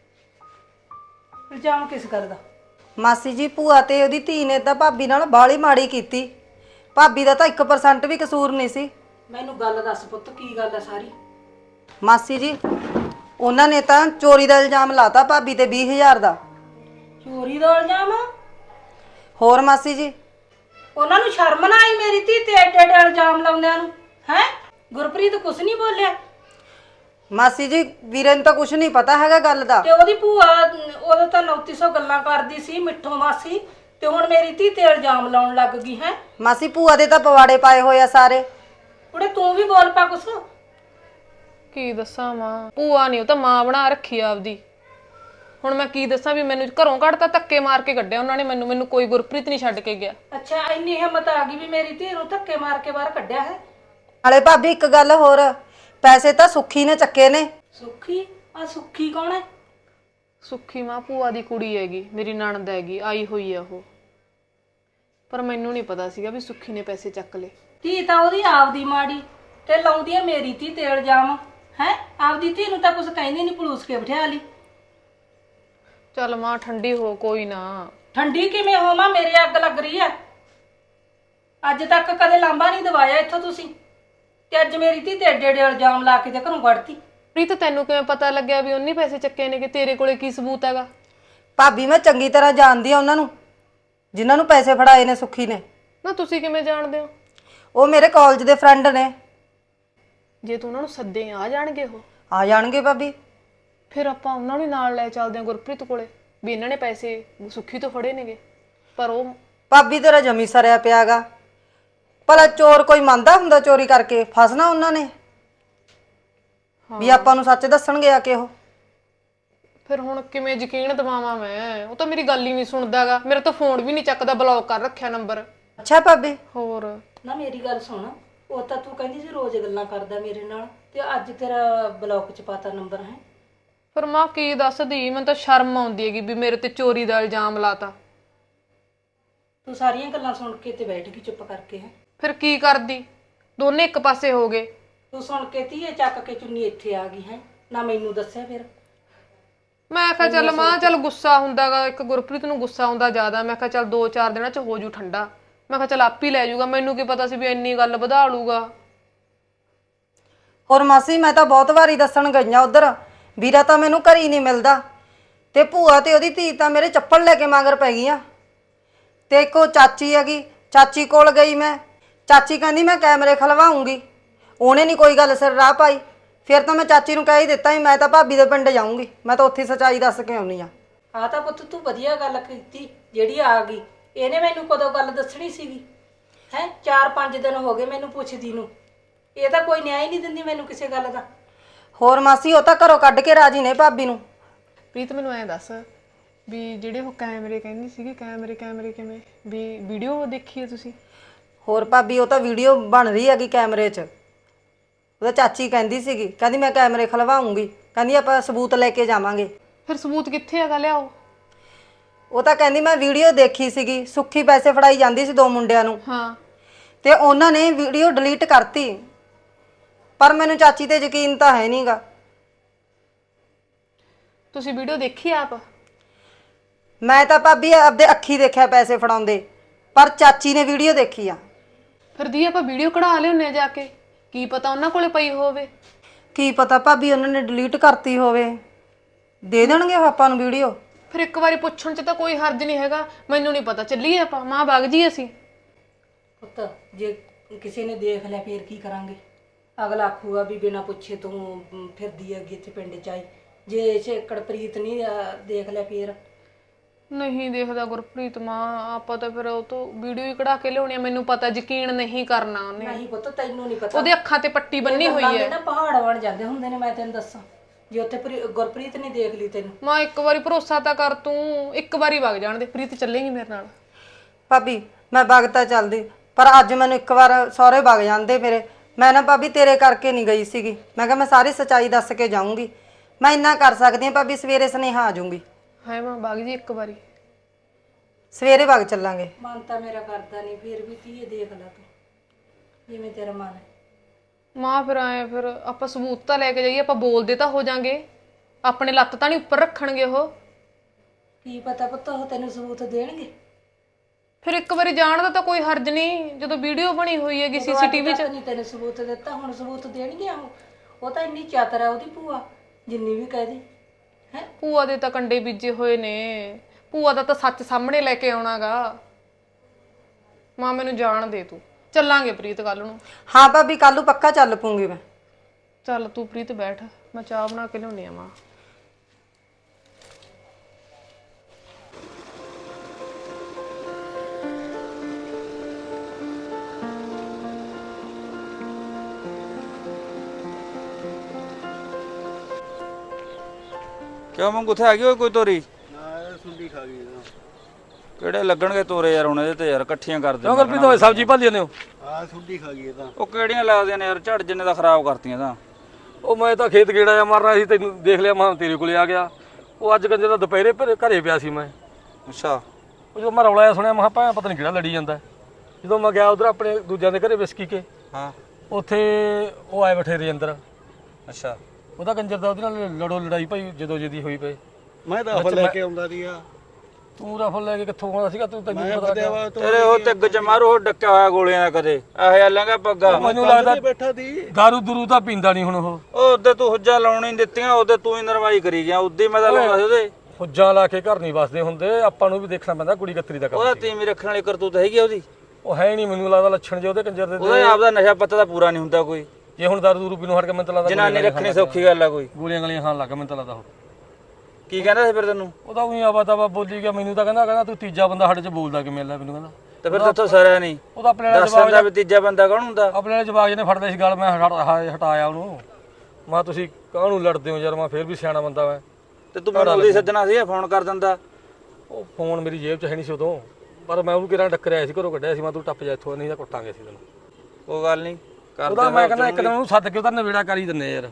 S4: ਇਲਜ਼ਾਮ ਕਿਸ ਗੱਲ ਦਾ? ਮਾਸੀ ਜੀ ਭੂਆ ਤੇ ਉਹਦੀ ਧੀ ਨੇ ਤਾਂ ਭਾਬੀ ਨਾਲ ਬਾਲੀ ਮਾੜੀ ਕੀਤੀ। ਭਾਬੀ ਦਾ ਤਾਂ 1% ਵੀ ਕਸੂਰ ਨਹੀਂ ਸੀ। ਮੈਨੂੰ ਗੱਲ ਦੱਸ ਪੁੱਤ, ਕੀ ਗੱਲ ਹੈ ਸਾਰੀ? ਮਾਸੀ ਜੀ ਉਹਨਾਂ ਨੇ ਤਾਂ ਚੋਰੀ ਦਾ ਇਲਜ਼ਾਮ ਲਾਤਾ ਭਾਬੀ ਤੇ 20,000 ਦਾ। ਚੋਰੀ ਦਾ ਇਲਜ਼ਾਮ? ਹੋਰ ਮਾਸੀ ਜੀ ਉਹਨਾਂ ਨੂੰ ਸ਼ਰਮ ਨਾ ਆਈ ਮੇਰੀ ਧੀ ਤੇ ਐਡੇ ਐਡੇ ਇਲਜ਼ਾਮ ਲਾਉਂਦਿਆਂ ਨੂੰ? ਹੈ ਗੁਰਪ੍ਰੀਤ ਕੁਛ ਨਹੀਂ ਬੋਲਿਆ? ਮਾਸੀ ਜੀ ਵੀਰੇ ਨੂੰ ਤਾਂ ਕੁਛ ਨਹੀਂ ਪਤਾ ਹੈਗਾ ਗੱਲ ਦਾ। ਤੇ ਉਹਦੀ ਭੂਆ ਉਹਦਾ ਤਾਂ 3900 ਗੱਲਾਂ ਕਰਦੀ ਸੀ ਮਿੱਠੋ ਮਾਸੀ, ਤੇ ਹੁਣ ਮੇਰੀ ਧੀ ਤੇ ਇਲਜ਼ਾਮ ਲਾਉਣ ਲੱਗ ਗਈ ਹੈ। ਮਾਸੀ ਭੂਆ ਦੇ ਤਾਂ ਪਵਾੜੇ ਪਾਏ ਹੋਏ ਆ ਸਾਰੇ। ਕੁੜੇ ਤੂੰ ਵੀ ਬੋਲ ਪਾ ਕੁਛ।
S5: ਕੀ ਦੱਸਾਂ ਮਾਂ, ਭੂਆ ਨਹੀਂ, ਉਹ ਤਾਂ ਮਾਂ ਬਣਾ ਰੱਖੀ ਆ ਆਪਦੀ। ਹੁਣ ਮੈਂ ਕੀ ਦੱਸਾਂ ਵੀ ਮੈਨੂੰ ਘਰੋਂ ਕੱਢਤਾ, ਧੱਕੇ ਮਾਰ ਕੇ ਕੱਢਿਆ ਉਹਨਾਂ ਨੇ ਮੈਨੂੰ ਕੋਈ ਗੁਰਪ੍ਰੀਤ ਨਹੀਂ ਛੱਡ ਕੇ ਗਿਆ।
S4: ਅੱਛਾ ਇੰਨੀ ਹਿੰਮਤ ਆ ਗਈ ਵੀ ਮੇਰੀ ਧੀ ਨੂੰ ਧੱਕੇ ਮਾਰ ਕੇ ਬਾਹਰ ਕੱਢਿਆ ਹੈ? ਨਾਲੇ ਭਾਬੀ ਇੱਕ ਗੱਲ ਹੋਰ, ਪੈਸੇ ਤਾਂ ਸੁੱਖੀ ਨੇ ਚੱਕੇ ਨੇ। ਸੁੱਖੀ? ਆ ਸੁੱਖੀ ਕੌਣ ਹੈ?
S5: ਸੁੱਖੀ ਮਾਂ ਭੂਆ ਦੀ ਕੁੜੀ ਹੈਗੀ, ਮੇਰੀ ਨਣਦ ਹੈਗੀ, ਆਈ ਹੋਈ ਆ ਉਹ। ਪਰ ਮੈਨੂੰ ਨਹੀਂ ਪਤਾ ਸੀਗਾ ਵੀ ਸੁੱਖੀ ਨੇ ਪੈਸੇ ਚੱਕ ਲਏ।
S4: ਧੀ ਤਾਂ ਉਹਦੀ ਆਪਦੀ ਮਾੜੀ ਤੇ ਲਾਉਂਦੀ ਹੈ ਮੇਰੀ ਧੀ ਤੇ ਇਲਜ਼ਾਮ। ਹੈ ਆਪਦੀ ਧੀ ਨੂੰ ਤਾਂ ਕੁਝ ਕਹਿੰਦੀ ਨਹੀਂ, ਪੁਲਿਸ ਕੇ ਬਿਠਾ ਲਈ।
S5: ਚੱਲ ਮਾਂ ਠੰਡੀ ਹੋ, ਕੋਈ ਨਾ।
S4: ਠੰਡੀ ਕਿਵੇਂ ਹੋਵਾਂ, ਮੇਰੇ ਅੱਗ ਲੱਗ ਰਹੀ ਹੈ। ਅੱਜ ਤੱਕ ਕਦੇ ਲਾਂਬਾ ਨਹੀਂ ਦਵਾਇਆ ਇੱਥੋਂ ਤੁਸੀਂ, ਤੇ ਅੱਜ ਮੇਰੀ ਧੀ ਤੇ ਏਡੇ ਏਡੇ ਇਲਜ਼ਾਮ ਲਾ ਕੇ ਤੇ ਘਰੋਂ ਕੱਢਤੀ।
S5: ਪ੍ਰੀਤ ਤੈਨੂੰ ਕਿਵੇਂ ਪਤਾ ਲੱਗਿਆ ਵੀ ਉਹਨੇ ਪੈਸੇ ਚੱਕੇ ਨੇ? ਕਿ ਤੇਰੇ ਕੋਲੇ ਕੀ ਸਬੂਤ ਹੈਗਾ?
S4: ਭਾਬੀ ਮੈਂ ਚੰਗੀ ਤਰ੍ਹਾਂ ਜਾਣਦੀ ਆ ਉਹਨਾਂ ਨੂੰ, ਜਿਨ੍ਹਾਂ ਨੂੰ ਪੈਸੇ ਫੜਾਏ ਨੇ ਸੁੱਖੀ ਨੇ।
S5: ਨਾ ਤੁਸੀਂ ਕਿਵੇਂ ਜਾਣਦੇ ਹੋ?
S4: ਉਹ ਮੇਰੇ ਕਾਲਜ ਦੇ ਫਰੈਂਡ ਨੇ।
S5: ਜੇ ਤੂੰ ਉਹਨਾਂ ਨੂੰ ਸੱਦੇ ਆ ਜਾਣਗੇ? ਉਹ
S4: ਆ ਜਾਣਗੇ ਭਾਬੀ।
S5: ਫਿਰ ਆਪਾਂ ਉਹਨਾਂ ਨੂੰ ਨਾਲ ਲੈ ਚੱਲਦੇ ਹਾਂ ਗੁਰਪ੍ਰੀਤ ਕੋਲੇ, ਵੀ ਇਹਨਾਂ ਨੇ ਪੈਸੇ ਸੁੱਖੀ ਤੋਂ ਫੜੇ ਨੇਗੇ। ਪਰ ਉਹ
S4: ਭਾਬੀ ਤੇਰਾ ਜਮੀ ਸਰਿਆ ਪਿਆਗਾ। ਭਲਾ ਚੋਰ ਕੋਈ ਮੰਨਦਾ ਹੁੰਦਾ ਚੋਰੀ ਕਰਕੇ? ਫਸਣਾ ਉਹਨਾਂ ਨੇ ਵੀ ਆਪਾਂ ਨੂੰ ਸੱਚ ਦੱਸਣਗੇ ਆ ਕੇ ਉਹ।
S5: ਫਿਰ ਹੁਣ ਕਿਵੇਂ ਯਕੀਨ ਦਿਵਾਵਾਂ ਮੈਂ? ਉਹ ਤਾਂ ਮੇਰੀ ਗੱਲ ਹੀ ਨਹੀਂ ਸੁਣਦਾਗਾ, ਮੇਰਾ ਤਾਂ ਫੋਨ ਵੀ ਨਹੀਂ ਚੱਕਦਾ, ਬਲੌਕ ਕਰ ਰੱਖਿਆ ਨੰਬਰ।
S4: ਅੱਛਾ ਭਾਬੀ।
S5: ਹੋਰ
S4: ਨਾ ਮੇਰੀ ਗੱਲ ਸੁਣ, ਉਹ ਤਾਂ ਤੂੰ ਕਹਿੰਦੀ ਸੀ ਰੋਜ਼ ਗੱਲਾਂ ਕਰਦਾ ਮੇਰੇ ਨਾਲ, ਤੇ ਅੱਜ ਤੇਰਾ ਬਲੌਕ ਚ ਪਾਤਾ ਨੰਬਰ ਹੈ।
S5: ਫਿਰ ਮਾਂ ਕੀ ਦੱਸਦੀ, ਮੈਨੂੰ ਤਾਂ ਸ਼ਰਮ ਆਉਂਦੀ ਹੈਗੀ ਵੀ ਮੇਰੇ ਤੇ ਚੋਰੀ ਦਾ ਇਲਜ਼ਾਮ ਲਾਤਾ।
S4: ਤੂੰ ਸਾਰੀਆਂ ਗੱਲਾਂ ਸੁਣ ਕੇ ਤੇ ਬੈਠ ਗਈ ਚੁੱਪ ਕਰਕੇ ਹੈ।
S5: ਫਿਰ ਕੀ ਕਰਦੀ, ਦੋਨੇ ਇੱਕ ਪਾਸੇ ਹੋ ਗਏ।
S4: ਤੂੰ ਸੁਣ ਕੇ ਧੀਏ ਚੱਕ ਕੇ ਚੁੰਨੀ ਇੱਥੇ ਆ ਗਈ ਹੈ, ਨਾ ਮੈਨੂੰ ਦੱਸਿਆ। ਫਿਰ
S5: ਮੈਂ ਕਿਹਾ ਚੱਲ ਮਾਂ, ਚੱਲ ਗੁੱਸਾ ਹੁੰਦਾਗਾ, ਇੱਕ ਗੁਰਪ੍ਰੀਤ ਨੂੰ ਗੁੱਸਾ ਆਉਂਦਾ ਜ਼ਿਆਦਾ। ਮੈਂ ਕਿਹਾ ਚੱਲ 2-4 ਦਿਨਾਂ ਚ ਹੋ ਜੂ ਠੰਡਾ। ਮੈਂ ਕਿਹਾ ਚੱਲ ਆਪ ਹੀ ਲੈ ਜਾਊਗਾ, ਮੈਨੂੰ ਕੀ ਪਤਾ ਸੀ ਵੀ ਇੰਨੀ ਗੱਲ ਵਧਾ ਲੂਗਾ।
S4: ਹੋਰ ਮਾਸੀ ਮੈਂ ਤਾਂ ਬਹੁਤ ਵਾਰੀ ਦੱਸਣ ਗਈਆਂ ਉਧਰ, ਵੀਰਾ ਤਾਂ ਮੈਨੂੰ ਘਰ ਹੀ ਨਹੀਂ ਮਿਲਦਾ, ਤੇ ਭੂਆ ਤੇ ਉਹਦੀ ਧੀ ਤਾਂ ਮੇਰੇ ਚੱਪਲ ਲੈ ਕੇ ਮਗਰ ਪੈ ਗਈਆਂ। ਤੇ ਇੱਕ ਉਹ ਚਾਚੀ ਹੈਗੀ, ਚਾਚੀ ਕੋਲ ਗਈ ਮੈਂ, ਚਾਚੀ ਕਹਿੰਦੀ ਮੈਂ ਕੈਮਰੇ ਖਲਵਾਉਂਗੀ। ਉਹਨੇ ਨਹੀਂ ਕੋਈ ਗੱਲ ਸਿਰ ਰਾਹ ਪਾਈ। ਫਿਰ ਤਾਂ ਮੈਂ ਚਾਚੀ ਨੂੰ ਕਹਿ ਹੀ ਦਿੱਤਾ ਸੀ ਮੈਂ ਤਾਂ ਭਾਬੀ ਦੇ ਪਿੰਡ ਜਾਊਂਗੀ, ਮੈਂ ਤਾਂ ਉੱਥੇ ਸੱਚਾਈ ਦੱਸ ਕੇ ਆਉਣੀ ਆ। ਆ ਤਾਂ ਪੁੱਤ ਤੂੰ ਵਧੀਆ ਗੱਲ ਕੀਤੀ ਜਿਹੜੀ ਆ ਗਈ। ਇਹਨੇ ਮੈਨੂੰ ਕਦੋਂ ਗੱਲ ਦੱਸਣੀ ਸੀਗੀ? ਹੈ 4-5 ਦਿਨ ਹੋ ਗਏ ਮੈਨੂੰ ਪੁੱਛਦੀ ਨੂੰ, ਇਹ ਤਾਂ ਕੋਈ ਨਿਆਂ ਹੀ ਨਹੀਂ ਦਿੰਦੀ ਮੈਨੂੰ ਕਿਸੇ ਗੱਲ ਦਾ। ਹੋਰ ਮਾਸੀ ਉਹ ਤਾਂ ਘਰੋਂ ਕੱਢ ਕੇ ਰਾਜੀ ਨੇ ਭਾਬੀ ਨੂੰ।
S5: ਪ੍ਰੀਤ ਮੈਨੂੰ ਐਂ ਦੱਸ ਵੀ ਜਿਹੜੇ ਉਹ ਕੈਮਰੇ ਕਹਿੰਦੀ ਸੀਗੀ, ਕੈਮਰੇ ਕਿਵੇਂ? ਵੀ ਵੀਡੀਓ ਦੇਖੀ ਹੈ ਤੁਸੀਂ?
S4: ਹੋਰ ਭਾਬੀ ਉਹ ਤਾਂ ਵੀਡੀਓ ਬਣ ਰਹੀ ਹੈਗੀ ਕੈਮਰੇ 'ਚ। ਉਹਦਾ ਚਾਚੀ ਕਹਿੰਦੀ ਸੀਗੀ, ਕਹਿੰਦੀ ਮੈਂ ਕੈਮਰੇ ਖਲਵਾਉਂਗੀ, ਕਹਿੰਦੀ ਆਪਾਂ ਸਬੂਤ ਲੈ ਕੇ ਜਾਵਾਂਗੇ।
S5: ਫਿਰ ਸਬੂਤ ਕਿੱਥੇ ਹੈਗਾ, ਲਿਆਓ।
S4: ਉਹ ਤਾਂ ਕਹਿੰਦੀ ਮੈਂ ਵੀਡੀਓ ਦੇਖੀ ਸੀਗੀ, ਸੁੱਖੀ ਪੈਸੇ ਫੜਾਈ ਜਾਂਦੀ ਸੀ 2 ਮੁੰਡਿਆਂ ਨੂੰ।
S5: ਹਾਂ
S4: ਤੇ ਉਹਨਾਂ ਨੇ ਵੀਡੀਓ ਡਿਲੀਟ ਕਰਤੀ। ਪਰ ਮੈਨੂੰ ਚਾਚੀ ਤੇ ਯਕੀਨ ਤਾਂ ਹੈ ਨਹੀਂਗਾ।
S5: ਤੁਸੀਂ ਵੀਡੀਓ ਦੇਖੀ ਆਪ?
S4: ਮੈਂ ਤਾਂ ਭਾਬੀ ਆਪਦੇ ਅੱਖੀ ਦੇਖਿਆ ਪੈਸੇ ਫੜਾਉਂਦੇ, ਪਰ ਚਾਚੀ ਨੇ ਵੀਡੀਓ ਦੇਖੀ ਆ।
S5: ਫਿਰ ਦੀ ਆਪਾਂ ਵੀਡੀਓ ਕਢਾ ਲਿਆਉਂਦੇ ਆ ਜਾ ਕੇ, ਕੀ ਪਤਾ ਉਹਨਾਂ ਕੋਲੇ ਪਈ ਹੋਵੇ।
S4: ਕੀ ਪਤਾ ਭਾਬੀ ਉਹਨਾਂ ਨੇ ਡਿਲੀਟ ਕਰਤੀ ਹੋਵੇ, ਦੇ ਦੇਣਗੇ ਉਹ ਆਪਾਂ ਨੂੰ ਵੀਡੀਓ।
S5: ਫਿਰ ਇੱਕ ਵਾਰੀ ਪੁੱਛਣ 'ਚ ਤਾਂ ਕੋਈ ਹਰਜ ਨਹੀਂ ਹੈਗਾ। ਮੈਨੂੰ ਨਹੀਂ ਪਤਾ, ਚੱਲੀਏ ਆਪਾਂ, ਮਾਂ ਵਗ ਜੀ ਅਸੀਂ।
S4: ਪੁੱਤ ਜੇ ਕਿਸੇ ਨੇ ਦੇਖ ਲਿਆ ਫੇਰ ਕੀ ਕਰਾਂਗੇ? ਅਗਲਾ ਆਖੂਗਾ ਵੀ ਬਿਨਾਂ ਪੁੱਛੇ ਤੂੰ ਫਿਰਦੀ ਹੈਗੀ ਇੱਥੇ ਪਿੰਡ 'ਚ ਆਈ। ਜੇ ਛੇਕੜ ਪ੍ਰੀਤ ਨਹੀਂ ਦੇਖ ਲਿਆ ਫੇਰ?
S5: ਨਹੀਂ ਦੇਖਦਾ ਗੁਰਪ੍ਰੀਤ ਮਾਂ, ਆਪਾਂ ਤਾਂ ਫਿਰ ਉਹ ਤੋਂ ਵੀਡੀਓ ਹੀ ਕਢਾ ਕੇ ਲਿਆਉਣੀ ਆ। ਮੈਨੂੰ ਪਤਾ ਯਕੀਨ ਨਹੀਂ ਕਰਨਾ ਉਹਨੇ।
S4: ਨਹੀਂ ਪੁੱਤ ਤੈਨੂੰ ਨਹੀਂ ਪਤਾ,
S5: ਉਹਦੇ ਅੱਖਾਂ ਤੇ ਪੱਟੀ ਬੰਨੀ ਹੋਈ ਹੈ
S4: ਨਾ, ਪਹਾੜ ਬਣ ਜਾਂਦੇ ਹੁੰਦੇ ਨੇ। ਮੈਂ ਤੈਨੂੰ ਦੱਸਾਂ, ਜੇ ਉੱਥੇ ਗੁਰਪ੍ਰੀਤ ਨਹੀਂ ਦੇਖ ਲਈ ਤੈਨੂੰ।
S5: ਮਾਂ ਇੱਕ ਵਾਰੀ ਭਰੋਸਾ ਤਾਂ ਕਰ ਤੂੰ, ਇੱਕ ਵਾਰੀ ਵਗ ਜਾਣ ਦੇ। ਪ੍ਰੀਤ ਚੱਲੇਗੀ ਮੇਰੇ ਨਾਲ?
S4: ਭਾਬੀ ਮੈਂ ਵਗ ਤਾਂ ਚੱਲਦੀ, ਪਰ ਅੱਜ ਮੈਨੂੰ ਇੱਕ ਵਾਰ ਸਹੁਰੇ ਵਗ ਜਾਂਦੇ ਮੇਰੇ। ਮੈਂ ਨਾ ਭਾਬੀ ਤੇਰੇ ਕਰਕੇ ਨਹੀਂ ਗਈ ਸੀਗੀ, ਮੈਂ ਕਿਹਾ ਮੈਂ ਸਾਰੀ ਸੱਚਾਈ ਦੱਸ ਕੇ ਜਾਊਂਗੀ। ਮੈਂ ਇੰਨਾ ਕਰ ਸਕਦੀ ਹਾਂ ਭਾਬੀ, ਸਵੇਰੇ ਸੁਨੇਹਾ ਆ ਜਾਊਂਗੀ।
S5: ਹਾਏ ਮਾਂ ਬਾਗ ਜੀ ਇੱਕ ਵਾਰੀ
S4: ਸਵੇਰੇ ਵਗ ਚੱਲਾਂਗੇ।
S6: ਮਨ ਤਾਂ ਮੇਰਾ ਕਰਦਾ ਨਹੀਂ, ਫਿਰ ਵੀ ਧੀਏ ਦੇਖ ਲੈ ਤੂੰ ਜਿਵੇਂ ਤੇਰਾ ਮਨ ਹੈ।
S5: ਮਾਂ ਫਿਰ ਆਏ, ਫਿਰ ਆਪਾਂ ਸਬੂਤ ਤਾਂ ਲੈ ਕੇ ਜਾਈਏ, ਆਪਾਂ ਬੋਲਦੇ ਤਾਂ ਹੋ ਜਾਾਂਗੇ, ਆਪਣੇ ਲੱਤ ਤਾਂ ਨਹੀਂ ਉੱਪਰ ਰੱਖਣਗੇ ਉਹ।
S6: ਕੀ ਪਤਾ ਪੁੱਤ ਉਹ ਤੈਨੂੰ ਸਬੂਤ ਦੇਣਗੇ।
S5: ਫਿਰ ਇੱਕ ਵਾਰੀ ਜਾਣ ਦਾ ਤਾਂ ਕੋਈ ਹਰਜ ਨਹੀਂ, ਜਦੋਂ ਵੀਡੀਓ ਬਣੀ ਹੋਈ ਹੈਗੀ ਸੀਸੀਟੀਵੀ 'ਚ।
S6: ਨਹੀਂ ਤੈਨੂੰ ਸਬੂਤ ਦਿੱਤਾ, ਹੁਣ ਸਬੂਤ ਦੇਣਗੇ ਉਹ ਤਾਂ ਇੰਨੀ ਚਾਤਰ ਆ ਉਹਦੀ ਭੂਆ, ਜਿੰਨੀ ਵੀ ਕਹਿ ਦੀ ਹੈ।
S5: ਭੂਆ ਦੇ ਤਾਂ ਕੰਡੇ ਬੀਜੇ ਹੋਏ ਨੇ, ਭੂਆ ਦਾ ਤਾਂ ਸੱਚ ਸਾਹਮਣੇ ਲੈ ਕੇ ਆਉਣਾਗਾ। ਮਾਂ ਮੈਨੂੰ ਜਾਣ ਦੇ, ਤੂੰ ਚੱਲਾਂਗੇ ਪ੍ਰੀਤ ਕੱਲ ਨੂੰ।
S4: ਹਾਂ ਭਾਬੀ ਕੱਲ ਨੂੰ ਪੱਕਾ ਚੱਲ ਪੂੰਗੀ ਮੈਂ।
S5: ਚੱਲ ਤੂੰ ਪ੍ਰੀਤ ਬੈਠ, ਮੈਂ ਚਾਹ ਬਣਾ ਕੇ ਲਿਆਉਣੀ ਆ ਮਾਂ।
S2: ਕਿਉਂ ਮੰਗ ਉੱਥੇ ਆ ਗਈ ਓਏ ਕੋਈ ਤੋਰੀ?
S7: ਨਾ ਸੁੰਡੀ ਖਾ ਗਈ ਇਹਦਾ।
S2: ਕਿਹੜੇ ਲੱਗਣਗੇ ਤੋਰੇ ਯਾਰ ਹੁਣ ਇਹਦੇ ਤੇ ਯਾਰ, ਇਕੱਠੀਆਂ ਕਰ ਦੇ।
S8: ਕਿਉਂ ਗੁਰਪ੍ਰੀਤ ਹੋਏ ਸਬਜ਼ੀ ਭਾਲੀ ਜਾਂਦੇ ਹੋ?
S7: ਆਹ ਸੁੰਡੀ ਖਾ ਗਈ ਇਹਦਾ।
S2: ਉਹ ਕਿਹੜੀਆਂ ਲੱਗਦੀਆਂ ਨੇ ਯਾਰ, ਝੜ ਜਿੰਨੇ ਦਾ ਖਰਾਬ ਕਰਤੀਆਂ ਤਾਂ।
S8: ਉਹ ਮੈਂ ਤਾਂ ਖੇਤ ਗੇੜਾ ਜਾ ਮਾਰਨਾ ਸੀ, ਤੈਨੂੰ ਦੇਖ ਲਿਆ, ਮੈਂ ਤੇਰੇ ਕੋਲੇ ਆ ਗਿਆ। ਉਹ ਅੱਜ ਕੰਜਰ ਦਾ ਦੁਪਹਿਰੇ ਘਰੇ ਪਿਆ ਸੀ ਮੈਂ।
S2: ਅੱਛਾ।
S8: ਉਹ ਜਦੋਂ ਮੈਂ ਰੌਲਾ ਜਿਹਾ ਸੁਣਿਆ, ਮੈਂ ਕਿਹਾ ਪਤਾ ਨਹੀਂ ਕਿਹੜਾ ਲੜੀ ਜਾਂਦਾ। ਜਦੋਂ ਮੈਂ ਗਿਆ ਉਧਰ ਆਪਣੇ ਦੂਜਿਆਂ ਦੇ ਘਰੇ ਵਿਸਕੀ ਕੇ,
S2: ਹਾਂ।
S8: ਉੱਥੇ ਉਹ ਆਏ ਬੈਠੇ ਰਜਿੰਦਰ।
S2: ਅੱਛਾ।
S8: ਉਹਦਾ ਕੰਜਰ ਦਾ ਉਹਦੇ ਨਾਲ ਲੜਾਈ ਭਾਈ ਜਦੋਂ ਜਿਹਦੀ ਹੋਈ ਪਈ।
S7: ਮੈਂ ਤਾਂ ਫਲ ਲੈ ਕੇ ਆਉਂਦਾ ਸੀਗਾ।
S8: ਤੂੰ ਰਫਲ ਲੈ ਕੇ ਕਿੱਥੋਂ ਆਉਂਦਾ ਸੀਗਾ? ਤੈਨੂੰ
S7: ਮੈਂ
S8: ਪਤਾ
S7: ਫਤਿਆ ਵਾ
S2: ਤੇਰੇ ਉਹ ਤਿੱਗ ਚ ਮਾਰੂ, ਉਹ ਡੱਕਿਆ ਹੋਇਆ ਗੋਲੀਆਂ ਦਾ ਕਦੇ ਇਹੋ ਜਿਹਾ ਲੰਗਾ ਪੱਗਾ।
S8: ਮੈਨੂੰ ਲੱਗਦਾ
S7: ਬੈਠਾ ਸੀ।
S8: ਦਾਰੂ ਦਰੂ ਤਾਂ ਪੀਂਦਾ ਨਹੀਂ ਹੁਣ ਉਹ।
S2: ਉਹਦੇ ਤੂੰ ਹੁੱਜਾ ਲਾਉਣੀ ਨੀ ਦਿੱਤੀਆਂ, ਉਹਦੇ ਤੂੰ ਹੀ ਨਰਵਾਈ ਕਰੀ ਗਿਆ। ਉਦੀ ਮੈਂ ਤਾਂ ਲਾਉਂਦਾ ਸੀ ਉਹਦੇ।
S8: ਹੁੱਜਾਂ ਲਾ ਕੇ ਘਰ ਨਹੀਂ ਵਸਦੇ ਹੁੰਦੇ, ਆਪਾਂ ਨੂੰ ਵੀ ਦੇਖਣਾ ਪੈਂਦਾ ਕੁੜੀ ਕਤਰੀ ਦਾ ਕੰਮ।
S2: ਉਹਦਾ ਤੀਵੀਂ ਰੱਖਣ ਵਾਲੀ ਕਰਤੂਤ ਹੈਗੀ ਆ ਉਹਦੀ।
S8: ਉਹ ਹੈ ਨਹੀਂ, ਮੈਨੂੰ ਲੱਗਦਾ ਲੱਛਣ ਜੇ ਉਹਦੇ ਕੰਜਰ ਦੇ।
S2: ਉਹਦਾ ਆਪਦਾ ਨਸ਼ਾ ਪੱਤਾ ਤਾਂ ਪੂਰਾ ਨਹੀਂ ਹੁੰਦਾ ਕੋਈ।
S8: ਜੇ ਹੁਣ ਦਾਰੂ ਦੂਰੂ ਪੀਣੋਂ ਹਟ ਕੇ ਮੈਨੂੰ ਤਾਂ ਲੱਗਦਾ
S2: ਜਨਾਨੀ ਰੱਖਣੀ ਸੌਖੀ ਗੱਲ ਆ ਕੋਈ।
S8: ਗੋਲੀਆਂ ਗਲੀਆਂ ਖਾਣ ਲੱਗਾ ਮੈਨੂੰ ਤਾਂ ਲੱਗਦਾ ਉਹ।
S2: ਕੀ ਕਹਿੰਦਾ ਸੀ ਫਿਰ ਤੈਨੂੰ?
S8: ਉਹਦਾ ਉਹੀ ਆਵਾ ਤਾਵਾ ਬੋਲੀ ਗਿਆ ਮੈਨੂੰ ਤਾਂ ਕਹਿੰਦਾ ਤੂੰ ਤੀਜਾ ਬੰਦਾ ਸਾਡੇ ਚ ਬੋਲਦਾ ਕਿਵੇਂ ਲੈ ਮੈਨੂੰ ਕਹਿੰਦਾ।
S2: ਤੇ ਫਿਰ ਤੇਥੋਂ ਸਰਿਆ ਨਹੀਂ।
S8: ਉਹਦਾ ਆਪਣੇ ਵਾਲਾ
S2: ਦੱਸਣ ਦਾ ਵੀ ਤੀਜਾ ਬੰਦਾ ਕੌਣ ਹੁੰਦਾ?
S8: ਆਪਣੇ ਵਾਲੇ ਜਵਾਬ ਜਿਹਨੇ ਫੜਦੇ ਸੀ ਗੱਲ, ਮੈਂ ਹਟਾਇਆ ਉਹਨੂੰ। ਮੈਂ ਤੁਸੀਂ ਕਾਹਨੂੰ ਲੜਦੇ ਹੋ ਯਾਰ, ਮੈਂ ਫੇਰ ਵੀ ਸਿਆਣਾ ਬੰਦਾ ਮੈਂ।
S2: ਤੇ ਤੂੰ ਮੈਨੂੰ ਉਹਦੀ ਸੱਜਣਾ ਸੀ, ਫੋਨ ਕਰ ਦਿੰਦਾ।
S8: ਉਹ ਫੋਨ ਮੇਰੀ ਜੇਬ 'ਚ ਹੈ ਨਹੀਂ ਸੀ ਉਦੋਂ, ਪਰ ਮੈਂ ਉਹਨੂੰ ਕਿਹੜਾ ਟੱਕਰਿਆ ਸੀ, ਘਰੋਂ ਕੱਢਿਆ ਸੀ। ਮੈਂ ਤੂੰ ਟੱਪ ਜਾ ਇੱਥੋਂ, ਨਹੀਂ ਤਾਂ ਕੁੱਟਾਂਗੇ ਸੀ ਤੈਨੂੰ।
S2: ਉਹ ਗੱਲ ਨਹੀਂ
S8: ਉਹਦਾ ਮੈਂ ਕਹਿੰਦਾ ਇੱਕ ਦਿਨ ਉਹਨੂੰ ਸੱਦ ਕੇ ਉਹਦਾ ਨਵੇੜਾ ਕਰ ਹੀ ਦਿੰਨੇ ਯਾਰ।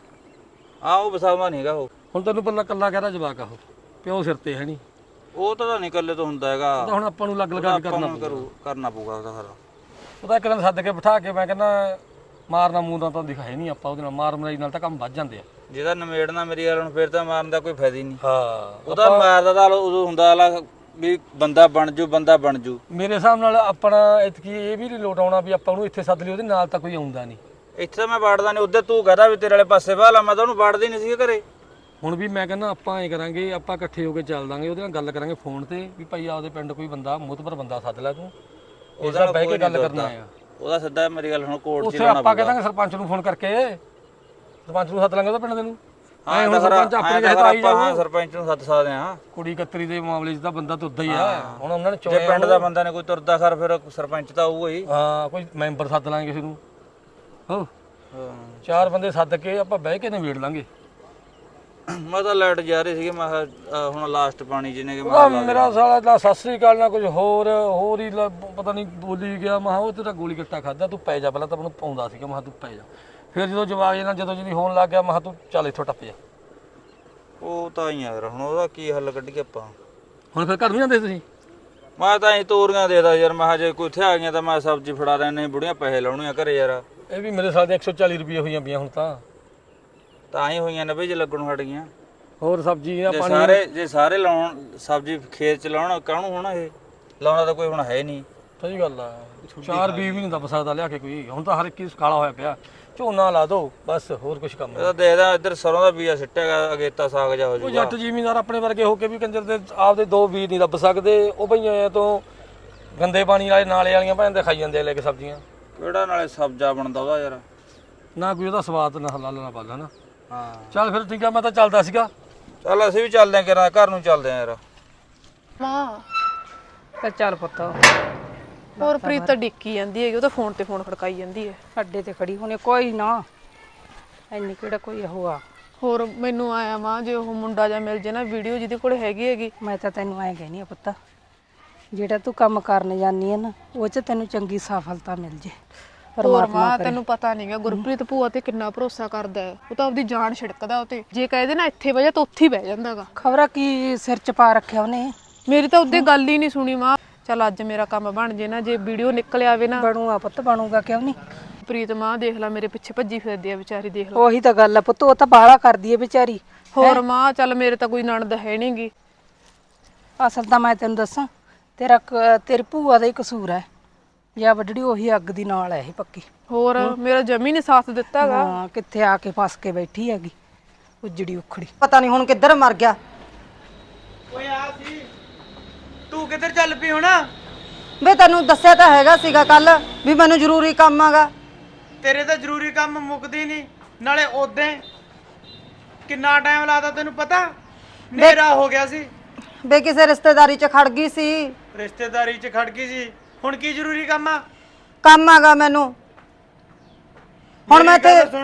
S2: ਆ ਉਹ ਵਸਾਵਾ ਨਹੀਂ ਹੈਗਾ ਉਹ।
S8: ਹੁਣ ਤੈਨੂੰ ਪੱਲਾ ਕੱਲਾ ਕਹਿਦਾ ਜਵਾਕ ਆ ਉਹ, ਪਿਓ ਸਿਰ ਤੇ ਹੈ ਨਹੀਂ।
S2: ਉਹ ਤਾਂ ਨਹੀਂ ਇਕੱਲੇ ਤੋਂ ਹੁੰਦਾ ਹੈਗਾ।
S8: ਤਾਂ ਹੁਣ ਆਪਾਂ ਨੂੰ ਲੱਗ ਲਗਾ ਕੇ ਕਰਨਾ
S2: ਕਰਨਾ ਪਊਗਾ ਉਹਦਾ ਫਿਰ।
S8: ਉਹਦਾ ਇੱਕ ਦਿਨ ਸੱਦ ਕੇ ਬਿਠਾ ਕੇ ਮੈਂ ਕਹਿੰਦਾ ਮਾਰਨਾ ਮੂੰਹ ਦਾ ਤਾਂ ਦਿਖਾਏ ਨਹੀਂ ਆਪਾਂ ਉਹਦੇ ਨਾਲ, ਮਾਰ ਮਰਾਈ ਨਾਲ ਤਾਂ ਕੰਮ ਵੱਜ ਜਾਂਦੇ ਆ।
S2: ਜਿਹਦਾ ਨਮੇੜਨਾ ਮੇਰੀ ਗੱਲ, ਹੁਣ ਫਿਰ ਤਾਂ ਮਾਰਨ ਦਾ ਕੋਈ ਫਾਇਦਾ ਹੀ ਨਹੀਂ।
S8: ਹਾਂ
S2: ਉਹਦਾ ਮਾਰਦਾ ਤਾਂ ਉਦੋਂ ਹੁੰਦਾ ਵਾਲਾ ਵੀ ਬੰਦਾ ਬਣ ਜੂ, ਬੰਦਾ ਬਣ ਜੂ।
S8: ਮੇਰੇ ਹਿਸਾਬ ਨਾਲ ਆਪਣਾ ਇਤਕੀ ਇਹ ਵੀ ਨਹੀਂ ਲੋਟ ਆਉਣਾ ਵੀ ਆਪਾਂ ਉਹਨੂੰ ਇੱਥੇ ਸੱਦ ਲਈ, ਉਹਦੇ ਨਾਲ ਤਾਂ ਕੋਈ ਆਉਂਦਾ ਨਹੀਂ।
S2: ਇੱਥੇ ਤਾਂ ਮੈਂ ਵਾੜਦਾ ਨਹੀਂ, ਉੱਧਰ ਤੂੰ ਕਹਦਾ ਵੀ ਤੇਰੇ ਵਾਲੇ ਪਾਸੇ ਵਾਲਾ, ਮੈਂ ਤਾਂ ਉਹਨੂੰ ਵਾੜਦੀ ਨਹੀਂ ਸੀ ਘਰੇ।
S8: ਹੁਣ ਵੀ ਮੈਂ ਕਹਿੰਦਾ ਆਪਾਂ ਐ ਕਰਾਂਗੇ, ਆਪਾਂ ਇਕੱਠੇ ਹੋ ਕੇ ਚੱਲ ਦਾਂਗੇ, ਉਹਦੇ ਨਾਲ ਗੱਲ ਕਰਾਂਗੇ ਫੋਨ ਤੇ ਵੀ ਭਾਈ ਆਪਦੇ ਪਿੰਡ ਕੋਈ ਬੰਦਾ ਮੁਤਬਰ ਬੰਦਾ ਸੱਦ ਲੈ ਤੂੰ, ਉਹਦੇ ਨਾਲ ਬਹਿ ਕੇ ਗੱਲ ਕਰਨਾ ਆ।
S2: ਉਹਦਾ ਸਿੱਧਾ ਮੇਰੀ ਗੱਲ ਹੁਣ ਕੋਰਟ 'ਚ
S8: ਉੱਥੇ ਆਪਾਂ ਕਹਿੰਦਾਂਗੇ ਸਰਪੰਚ ਨੂੰ ਫੋਨ ਕਰਕੇ, ਸਰਪੰਚ ਨੂੰ ਸੱਦ ਲਾਂਗੇ ਉਹਦਾ ਪਿੰਡ ਦੇ ਨੂੰ। ਐ ਹੁਣ ਸਰਪੰਚ ਆਪਣੇ ਕਹੇ ਤਾਂ ਆਈ ਜਾਊ।
S2: ਸਰਪੰਚ ਨੂੰ ਸੱਦ ਸਕਦੇ ਆ।
S8: ਕੁੜੀ ਕਤਰੀ ਦੇ ਮਾਮਲੇ 'ਚ ਤਾਂ ਬੰਦਾ ਤੁਰਦਾ ਹੀ ਆ। ਹੁਣ ਉਹਨਾਂ ਨੇ
S2: ਜੇ
S8: ਚੋਣਿਆ
S2: ਪਿੰਡ ਦਾ ਬੰਦਾ ਨੇ ਕੋਈ ਤੁਰਦਾ ਖਰ, ਫਿਰ ਸਰਪੰਚ ਤਾਂ ਆਊਗਾ ਹੀ।
S8: ਹਾਂ, ਕੋਈ ਮੈਂਬਰ ਸੱਦ ਲਾਂਗੇ ਕਿਸੇ ਨੂੰ। ਹੋ ਚਾਰ ਬੰਦੇ ਸੱਦ ਕੇ ਆਪਾਂ ਬਹਿ ਕੇ ਨਿਬੇੜ ਲਾਂਗੇ।
S2: ਮੈਂ ਤਾਂ ਲਾਈਟ ਜਾ ਰਹੀ ਸੀਗੀ, ਮੈਂ ਕਿਹਾ ਹੁਣ ਲਾਸਟ ਪਾਣੀ ਜਿਹਨੇ ਕਿ
S8: ਉਹਦਾ ਮੇਰਾ ਸਾਲਾ ਦਾ ਸਤਿ ਸ੍ਰੀ ਅਕਾਲ ਨਾਲ ਕੁਝ ਹੋਰ ਹੀ ਪਤਾ ਨਹੀਂ ਬੋਲੀ ਗਿਆ। ਮੈਂ ਕਿਹਾ ਉਹ ਤੇਰਾ ਗੋਲੀ ਗੱਟਾ ਖਾਦਾ, ਤੂੰ ਪੈ ਜਾ। ਪਹਿਲਾਂ ਤਾਂ ਮੈਨੂੰ ਪਾਉਂਦਾ ਸੀਗਾ, ਮੈਂ ਕਿਹਾ ਤੂੰ ਪੈ ਜਾ। ਫਿਰ ਜਦੋਂ ਜਵਾਬ ਇਹਨਾਂ ਜਦੋਂ ਜਿਹਦੀ ਹੋਣ ਲੱਗ ਗਿਆ, ਮੈਂ ਕਿਹਾ ਤੂੰ ਚੱਲ ਇੱਥੋਂ ਟੱਪ ਜਾ।
S2: ਉਹ ਤਾਂ ਹੀ ਯਾਰ, ਹੁਣ ਉਹਦਾ ਕੀ ਹੱਲ ਕੱਢੀਏ ਆਪਾਂ।
S8: ਹੁਣ ਫਿਰ ਘਰ ਨਹੀਂ ਜਾਂਦੇ ਤੁਸੀਂ?
S2: ਮੈਂ ਤਾਂ ਅਸੀਂ ਤੋਰੀਆਂ ਦੇਦਾ ਯਾਰ, ਮੈਂ ਕਿਹਾ ਜੇ ਕੋਈ ਇੱਥੇ ਆ ਗਈਆਂ ਤਾਂ ਮੈਂ ਸਬਜ਼ੀ ਫੜਾ ਰਹਿਣੇ, ਬੁੜੀਆਂ ਪੈਸੇ ਲਾਉਣੀਆਂ ਘਰੇ ਯਾਰ।
S8: ਇਹ ਵੀ ਮੇਰੇ ਸਾਲ ਦੇ 140 ਰੁਪਏ ਹੋਈਆਂ ਪਈਆਂ ਹੁਣ ਤਾਂ
S2: ਹੀ ਹੋਈਆਂ ਨੇ ਬਈ, ਜੇ ਲੱਗਣੋਂ ਹਟ ਗਈਆਂ।
S8: ਹੋਰ ਸਬਜ਼ੀ ਆ
S2: ਪਾਣੀ ਜੇ ਸਾਰੇ ਲਾਉਣ ਸਬਜ਼ੀ ਖੇਤ ਚ ਲਾਉਣ, ਕਾਹਨੂੰ ਹੋਣਾ ਇਹ ਲਾਉਣਾ ਤਾਂ ਕੋਈ ਹੁਣ ਹੈ ਨਹੀਂ।
S8: ਸਹੀ ਗੱਲ ਆ, 4 ਬੀ ਵੀ ਨਹੀਂ ਦੱਬ ਸਕਦਾ ਲਿਆ ਕੇ ਕੋਈ। ਹੁਣ ਤਾਂ ਹਰ ਇੱਕ ਹੀ ਕਾਲਾ ਹੋਇਆ ਪਿਆ। ਝੋਨਾ ਲਾ ਦੋ ਬਸ, ਹੋਰ ਕੁਝ ਕੰਮ
S2: ਇਹਦਾ ਦੇਖਦਾ ਇੱਧਰ ਸਰੋਂ ਦਾ ਬੀਜ ਸਿੱਟਿਆ, ਅਗੇਤਾ ਸਾਗ ਜਾ ਹੋ
S8: ਉਹ
S2: ਜੂਗਾ।
S8: ਜੱਟ ਜ਼ਿਮੀਂਦਾਰ ਆਪਣੇ ਵਰਗੇ ਹੋ ਕੇ ਵੀ ਕੰਜਰ ਦੇ ਆਪਦੇ 2 ਬੀਜ ਨਹੀਂ ਦੱਬ ਸਕਦੇ। ਉਹ ਭਈਆਂ ਤੋਂ ਗੰਦੇ ਪਾਣੀ ਵਾਲੇ ਨਾਲੇ ਵਾਲੀਆਂ ਭੈਣ ਦੇ ਖਾਈ ਜਾਂਦੇ ਆ ਲੈ ਕੇ ਸਬਜ਼ੀਆਂ।
S2: ਕਿਹੜਾ ਨਾਲੇ ਸਬਜ਼ਾ ਬਣਦਾ ਉਹਦਾ ਯਾਰ,
S8: ਨਾ ਕੋਈ ਉਹਦਾ ਸਵਾਦ ਨਾ ਹਲਾਲ ਨਾ ਪਾਲਾ ਨਾ।
S2: ਹਾਂ
S8: ਚੱਲ ਫਿਰ ਠੀਕ ਆ, ਮੈਂ ਤਾਂ ਚੱਲਦਾ ਸੀਗਾ।
S2: ਚੱਲ ਅਸੀਂ ਵੀ ਚੱਲਦੇ ਆਂ, ਕਿਰਾਂ ਘਰ ਨੂੰ ਚੱਲਦੇ ਆਂ ਯਾਰ।
S5: ਮਾਂ
S6: ਚੱਲ ਪੁੱਤ,
S5: ਹੋਰ ਪ੍ਰੀਤ ਤਾਂ ਡਿੱਕੀ ਜਾਂਦੀ ਹੈਗੀ, ਉਹ ਤਾਂ ਫੋਨ ਤੇ ਫੋਨ ਖੜਕਾਈ ਜਾਂਦੀ ਹੈ।
S6: ਅੱਡੇ ਤੇ ਖੜੀ ਹੋਣੀ, ਕੋਈ ਨਾ ਇੰਨੀ ਕਿਹੜਾ ਕੋਈ ਹੋਆ।
S5: ਹੋਰ ਮੈਨੂੰ ਆਇਆ ਮਾਂ, ਜੇ ਉਹ ਮੁੰਡਾ ਜਾਂ ਮਿਲ ਜੇ ਨਾ ਵੀਡੀਓ ਜਿਹਦੇ ਕੋਲ ਹੈਗੀ।
S6: ਮੈਂ ਤਾਂ ਤੈਨੂੰ ਐਂ ਕਹਿਨੀ ਆ ਪੁੱਤ, ਜਿਹੜਾ ਤੂੰ ਕੰਮ ਕਰਨ ਜਾਨੀ ਹੈ ਨਾ ਉਹ 'ਚ ਤੈਨੂੰ ਚੰਗੀ ਸਫਲਤਾ ਮਿਲ ਜੇ
S5: ਹੋਰ ਮਾਂ ਤੈਨੂੰ ਪਤਾ ਨਹੀਂਗਾ ਗੁਰਪ੍ਰੀਤ ਭੂਆ ਤੇ ਕਿੰਨਾ ਭਰੋਸਾ ਕਰਦਾ ਹੈ। ਉਹ ਤਾਂ ਆਪਦੀ ਜਾਨ ਛਿੜਕਦਾ ਉਹ ਤੇ, ਜੇ ਕਹਦੇ ਨਾ ਇੱਥੇ ਬਹਿ ਜਾ ਤਾਂ ਉੱਥੇ ਹੀ ਬਹਿ ਜਾਂਦਾਗਾ।
S6: ਖਬਰਾਂ ਕੀ ਸਿਰ 'ਚ ਪਾ ਰੱਖਿਆ ਉਹਨੇ।
S5: ਮੇਰੀ ਤਾਂ ਉਹਦੇ ਗੱਲ ਹੀ ਨਹੀਂ ਸੁਣੀ ਮਾਂ। ਚੱਲ ਅੱਜ ਮੇਰਾ ਕੰਮ ਬਣ ਜੇ ਨਾ, ਜੇ ਵੀਡੀਓ ਨਿਕਲ ਆਵੇ ਨਾ।
S6: ਬਣੂਗਾ ਪੁੱਤ, ਬਣੂਗਾ ਕਿਉਂ ਨਹੀਂ।
S5: ਪ੍ਰੀਤ ਮਾਂ ਦੇਖ ਲੈ ਮੇਰੇ ਪਿੱਛੇ ਭੱਜੀ ਫਿਰਦੀ ਆ ਵਿਚਾਰੀ, ਦੇਖ ਲੈ।
S6: ਉਹੀ ਤਾਂ ਗੱਲ ਆ ਪੁੱਤ, ਉਹ ਤਾਂ ਬਾਹਲਾ ਕਰਦੀ ਹੈ ਵਿਚਾਰੀ।
S5: ਹੋਰ ਮਾਂ ਚੱਲ ਮੇਰੇ ਤਾਂ ਕੋਈ ਨਣਦ ਹੈ ਨਹੀਂਗੀ।
S6: ਅਸਲ ਤਾਂ ਮੈਂ ਤੈਨੂੰ ਦੱਸਾਂ, ਤੇਰੀ ਭੂਆ ਦਾ ਹੀ ਕਸੂਰ ਹੈ ਜਾਂ ਵੱਡੜੀ ਉਹੀ ਅੱਗ ਦੀ ਨਾਲ ਹੈ ਇਹ ਪੱਕੀ।
S5: ਹੋਰ ਮੇਰਾ ਜਮੀ ਨੇ ਸਾਥ ਦਿੱਤਾਗਾ।
S6: ਹਾਂ, ਕਿੱਥੇ ਆ ਕੇ ਫਸ ਕੇ ਬੈਠੀ ਹੈਗੀ ਉਜੜੀ ਉਖੜੀ।
S4: ਪਤਾ ਨਹੀਂ ਹੁਣ ਕਿੱਧਰ ਮਰ ਗਿਆ।
S3: ਓਏ ਆ ਸੀ ਤੂੰ ਕਿੱਧਰ ਚੱਲ ਪਈ ਹੁਣ?
S4: ਵੇ ਤੈਨੂੰ ਦੱਸਿਆ ਤਾਂ ਹੈਗਾ ਸੀਗਾ ਕੱਲ ਵੀ ਮੈਨੂੰ ਜ਼ਰੂਰੀ ਕੰਮ ਆਗਾ।
S3: ਤੇਰੇ ਤਾਂ ਜ਼ਰੂਰੀ ਕੰਮ ਮੁੱਕਦੀ ਨਹੀਂ, ਨਾਲੇ ਉਦੋਂ ਕਿੰਨਾ ਟਾਈਮ ਲਾਦਾ ਤੈਨੂੰ ਪਤਾ? ਹਨੇਰਾ ਹੋ ਗਿਆ ਸੀ।
S4: ਵੇ ਕਿਸੇ ਰਿਸ਼ਤੇਦਾਰੀ 'ਚ ਖੜ ਗਈ ਸੀ।
S3: ਰਿਸ਼ਤੇਦਾਰੀ 'ਚ ਖੜ ਗਈ ਸੀ, ਹੁਣ ਕੀ ਜ਼ਰੂਰੀ ਕੰਮ ਆ?
S4: ਕੰਮ ਆਗਾ ਮੈਨੂੰ। ਹੁਣ ਮੈਂ
S3: ਮੇਰੀ ਗੱਲ
S4: ਤੇ
S3: ਸੁਣ,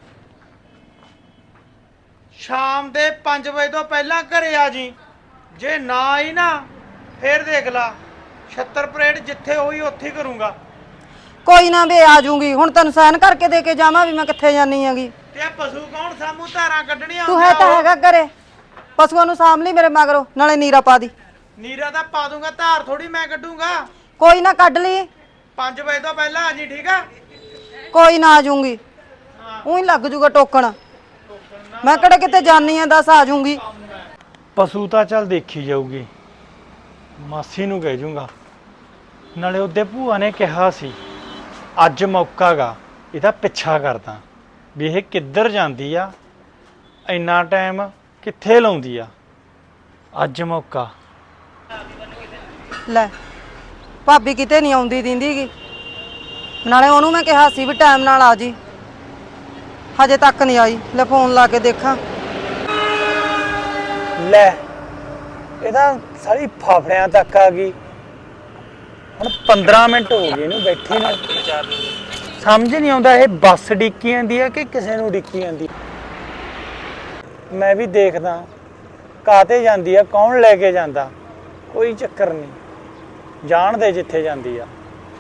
S3: ਸ਼ਾਮ ਦੇ 5 ਵਜੇ ਤੋਂ ਪਹਿਲਾਂ ਘਰੇ ਆ ਜੀ। ਜੇ ਨਾ ਆਈ ਨਾ ਫੇਰ ਦੇਖ ਲਾ, 76 ਪਰੇਡ ਜਿੱਥੇ ਹੋਈ ਉੱਥੇ ਹੀ ਕਰੂੰਗਾ।
S4: ਕੋਈ ਨਾ ਵੇ ਆ ਜੂੰਗੀ। ਹੁਣ ਤੈਨੂੰ ਸਾਈਨ ਕਰਕੇ ਦੇ ਕੇ ਜਾਵਾਂ ਵੀ ਮੈਂ ਕਿੱਥੇ ਜਾਨੀ ਹੈਗੀ।
S3: ਤੇ ਇਹ ਪਸ਼ੂ ਕੌਣ ਸਾਮੂ ਧਾਰਾਂ ਕੱਢਣੀਆਂ
S4: ਤੂੰ ਹੈ ਤਾਂ ਹੈਗਾ ਘਰੇ, ਪਸ਼ੂਆਂ ਨੂੰ ਸਾਂਭ ਲਈ ਮੇਰੇ ਮਗਰੋਂ, ਨਾਲੇ ਨੀਰਾ ਪਾ ਦੀ।
S3: ਨੀਰਾ ਤਾਂ ਪਾ ਦੂੰਗਾ, ਧਾਰ ਥੋੜੀ ਮੈਂ ਕੱਢੂੰਗਾ।
S4: ਕੋਈ ਨਾ ਕੱਢ ਲਈ,
S3: 5 ਵਜੇ ਤੋਂ ਪਹਿਲਾਂ ਆ ਜੀ, ਠੀਕ ਆ?
S4: ਕੋਈ ਨਾ ਆ ਜੂੰਗੀ। ਉਹੀ ਲੱਗ ਜੂਗਾ ਟੋਕਣ, ਮੈਂ ਕਿਹੜੇ ਕਿਤੇ ਜਾਨੀ ਆ, ਦੱਸ ਆ ਜੂੰਗੀ।
S9: ਪਸ਼ੂ ਤਾਂ ਚੱਲ ਦੇਖੀ ਜਾਊਗੀ, ਮਾਸੀ ਨੂੰ ਕਹਿ ਜੂੰਗਾ। ਨਾਲੇ ਉਹਦੇ ਭੂਆ ਨੇ ਕਿਹਾ ਸੀ ਅੱਜ ਮੌਕਾ ਗਾ, ਇਹਦਾ ਪਿੱਛਾ ਕਰਦਾ ਵੀ ਇਹ ਕਿੱਧਰ ਜਾਂਦੀ ਆ, ਇੰਨਾ ਟਾਈਮ ਕਿੱਥੇ ਲਾਉਂਦੀ ਆ। ਅੱਜ ਮੌਕਾ।
S4: ਲੈ ਭਾਬੀ ਕਿਤੇ ਨਹੀਂ ਆਉਂਦੀ ਦਿੰਦੀਗੀ, ਨਾਲੇ ਉਹਨੂੰ ਮੈਂ ਕਿਹਾ ਸੀ ਵੀ ਟਾਈਮ ਨਾਲ ਆ ਜੀ, ਹਜੇ ਤੱਕ ਨਹੀਂ ਆਈ। ਲੈ ਫੋਨ ਲਾ ਕੇ ਦੇਖਾਂ।
S9: ਲੈ ਇਹਦਾ ਸਾਰੀ ਫਾਫੜਿਆਂ ਤੱਕ ਆ ਗਈ। ਹੁਣ 15 ਮਿੰਟ ਹੋ ਗਏ ਇਹਨੂੰ ਬੈਠੀ ਨੂੰ, ਸਮਝ ਨਹੀਂ ਆਉਂਦਾ ਇਹ ਬੱਸ ਡਿੱਕੀ ਜਾਂਦੀ ਆ ਕਿ ਕਿਸੇ ਨੂੰ ਡਿੱਕੀ ਜਾਂਦੀ। ਮੈਂ ਵੀ ਦੇਖਦਾ ਕਾਹਤੇ ਜਾਂਦੀ ਆ, ਕੌਣ ਲੈ ਕੇ ਜਾਂਦਾ, ਕੋਈ ਚੱਕਰ ਨਹੀਂ, ਜਾਣਦੇ ਜਿੱਥੇ ਜਾਂਦੀ ਆ।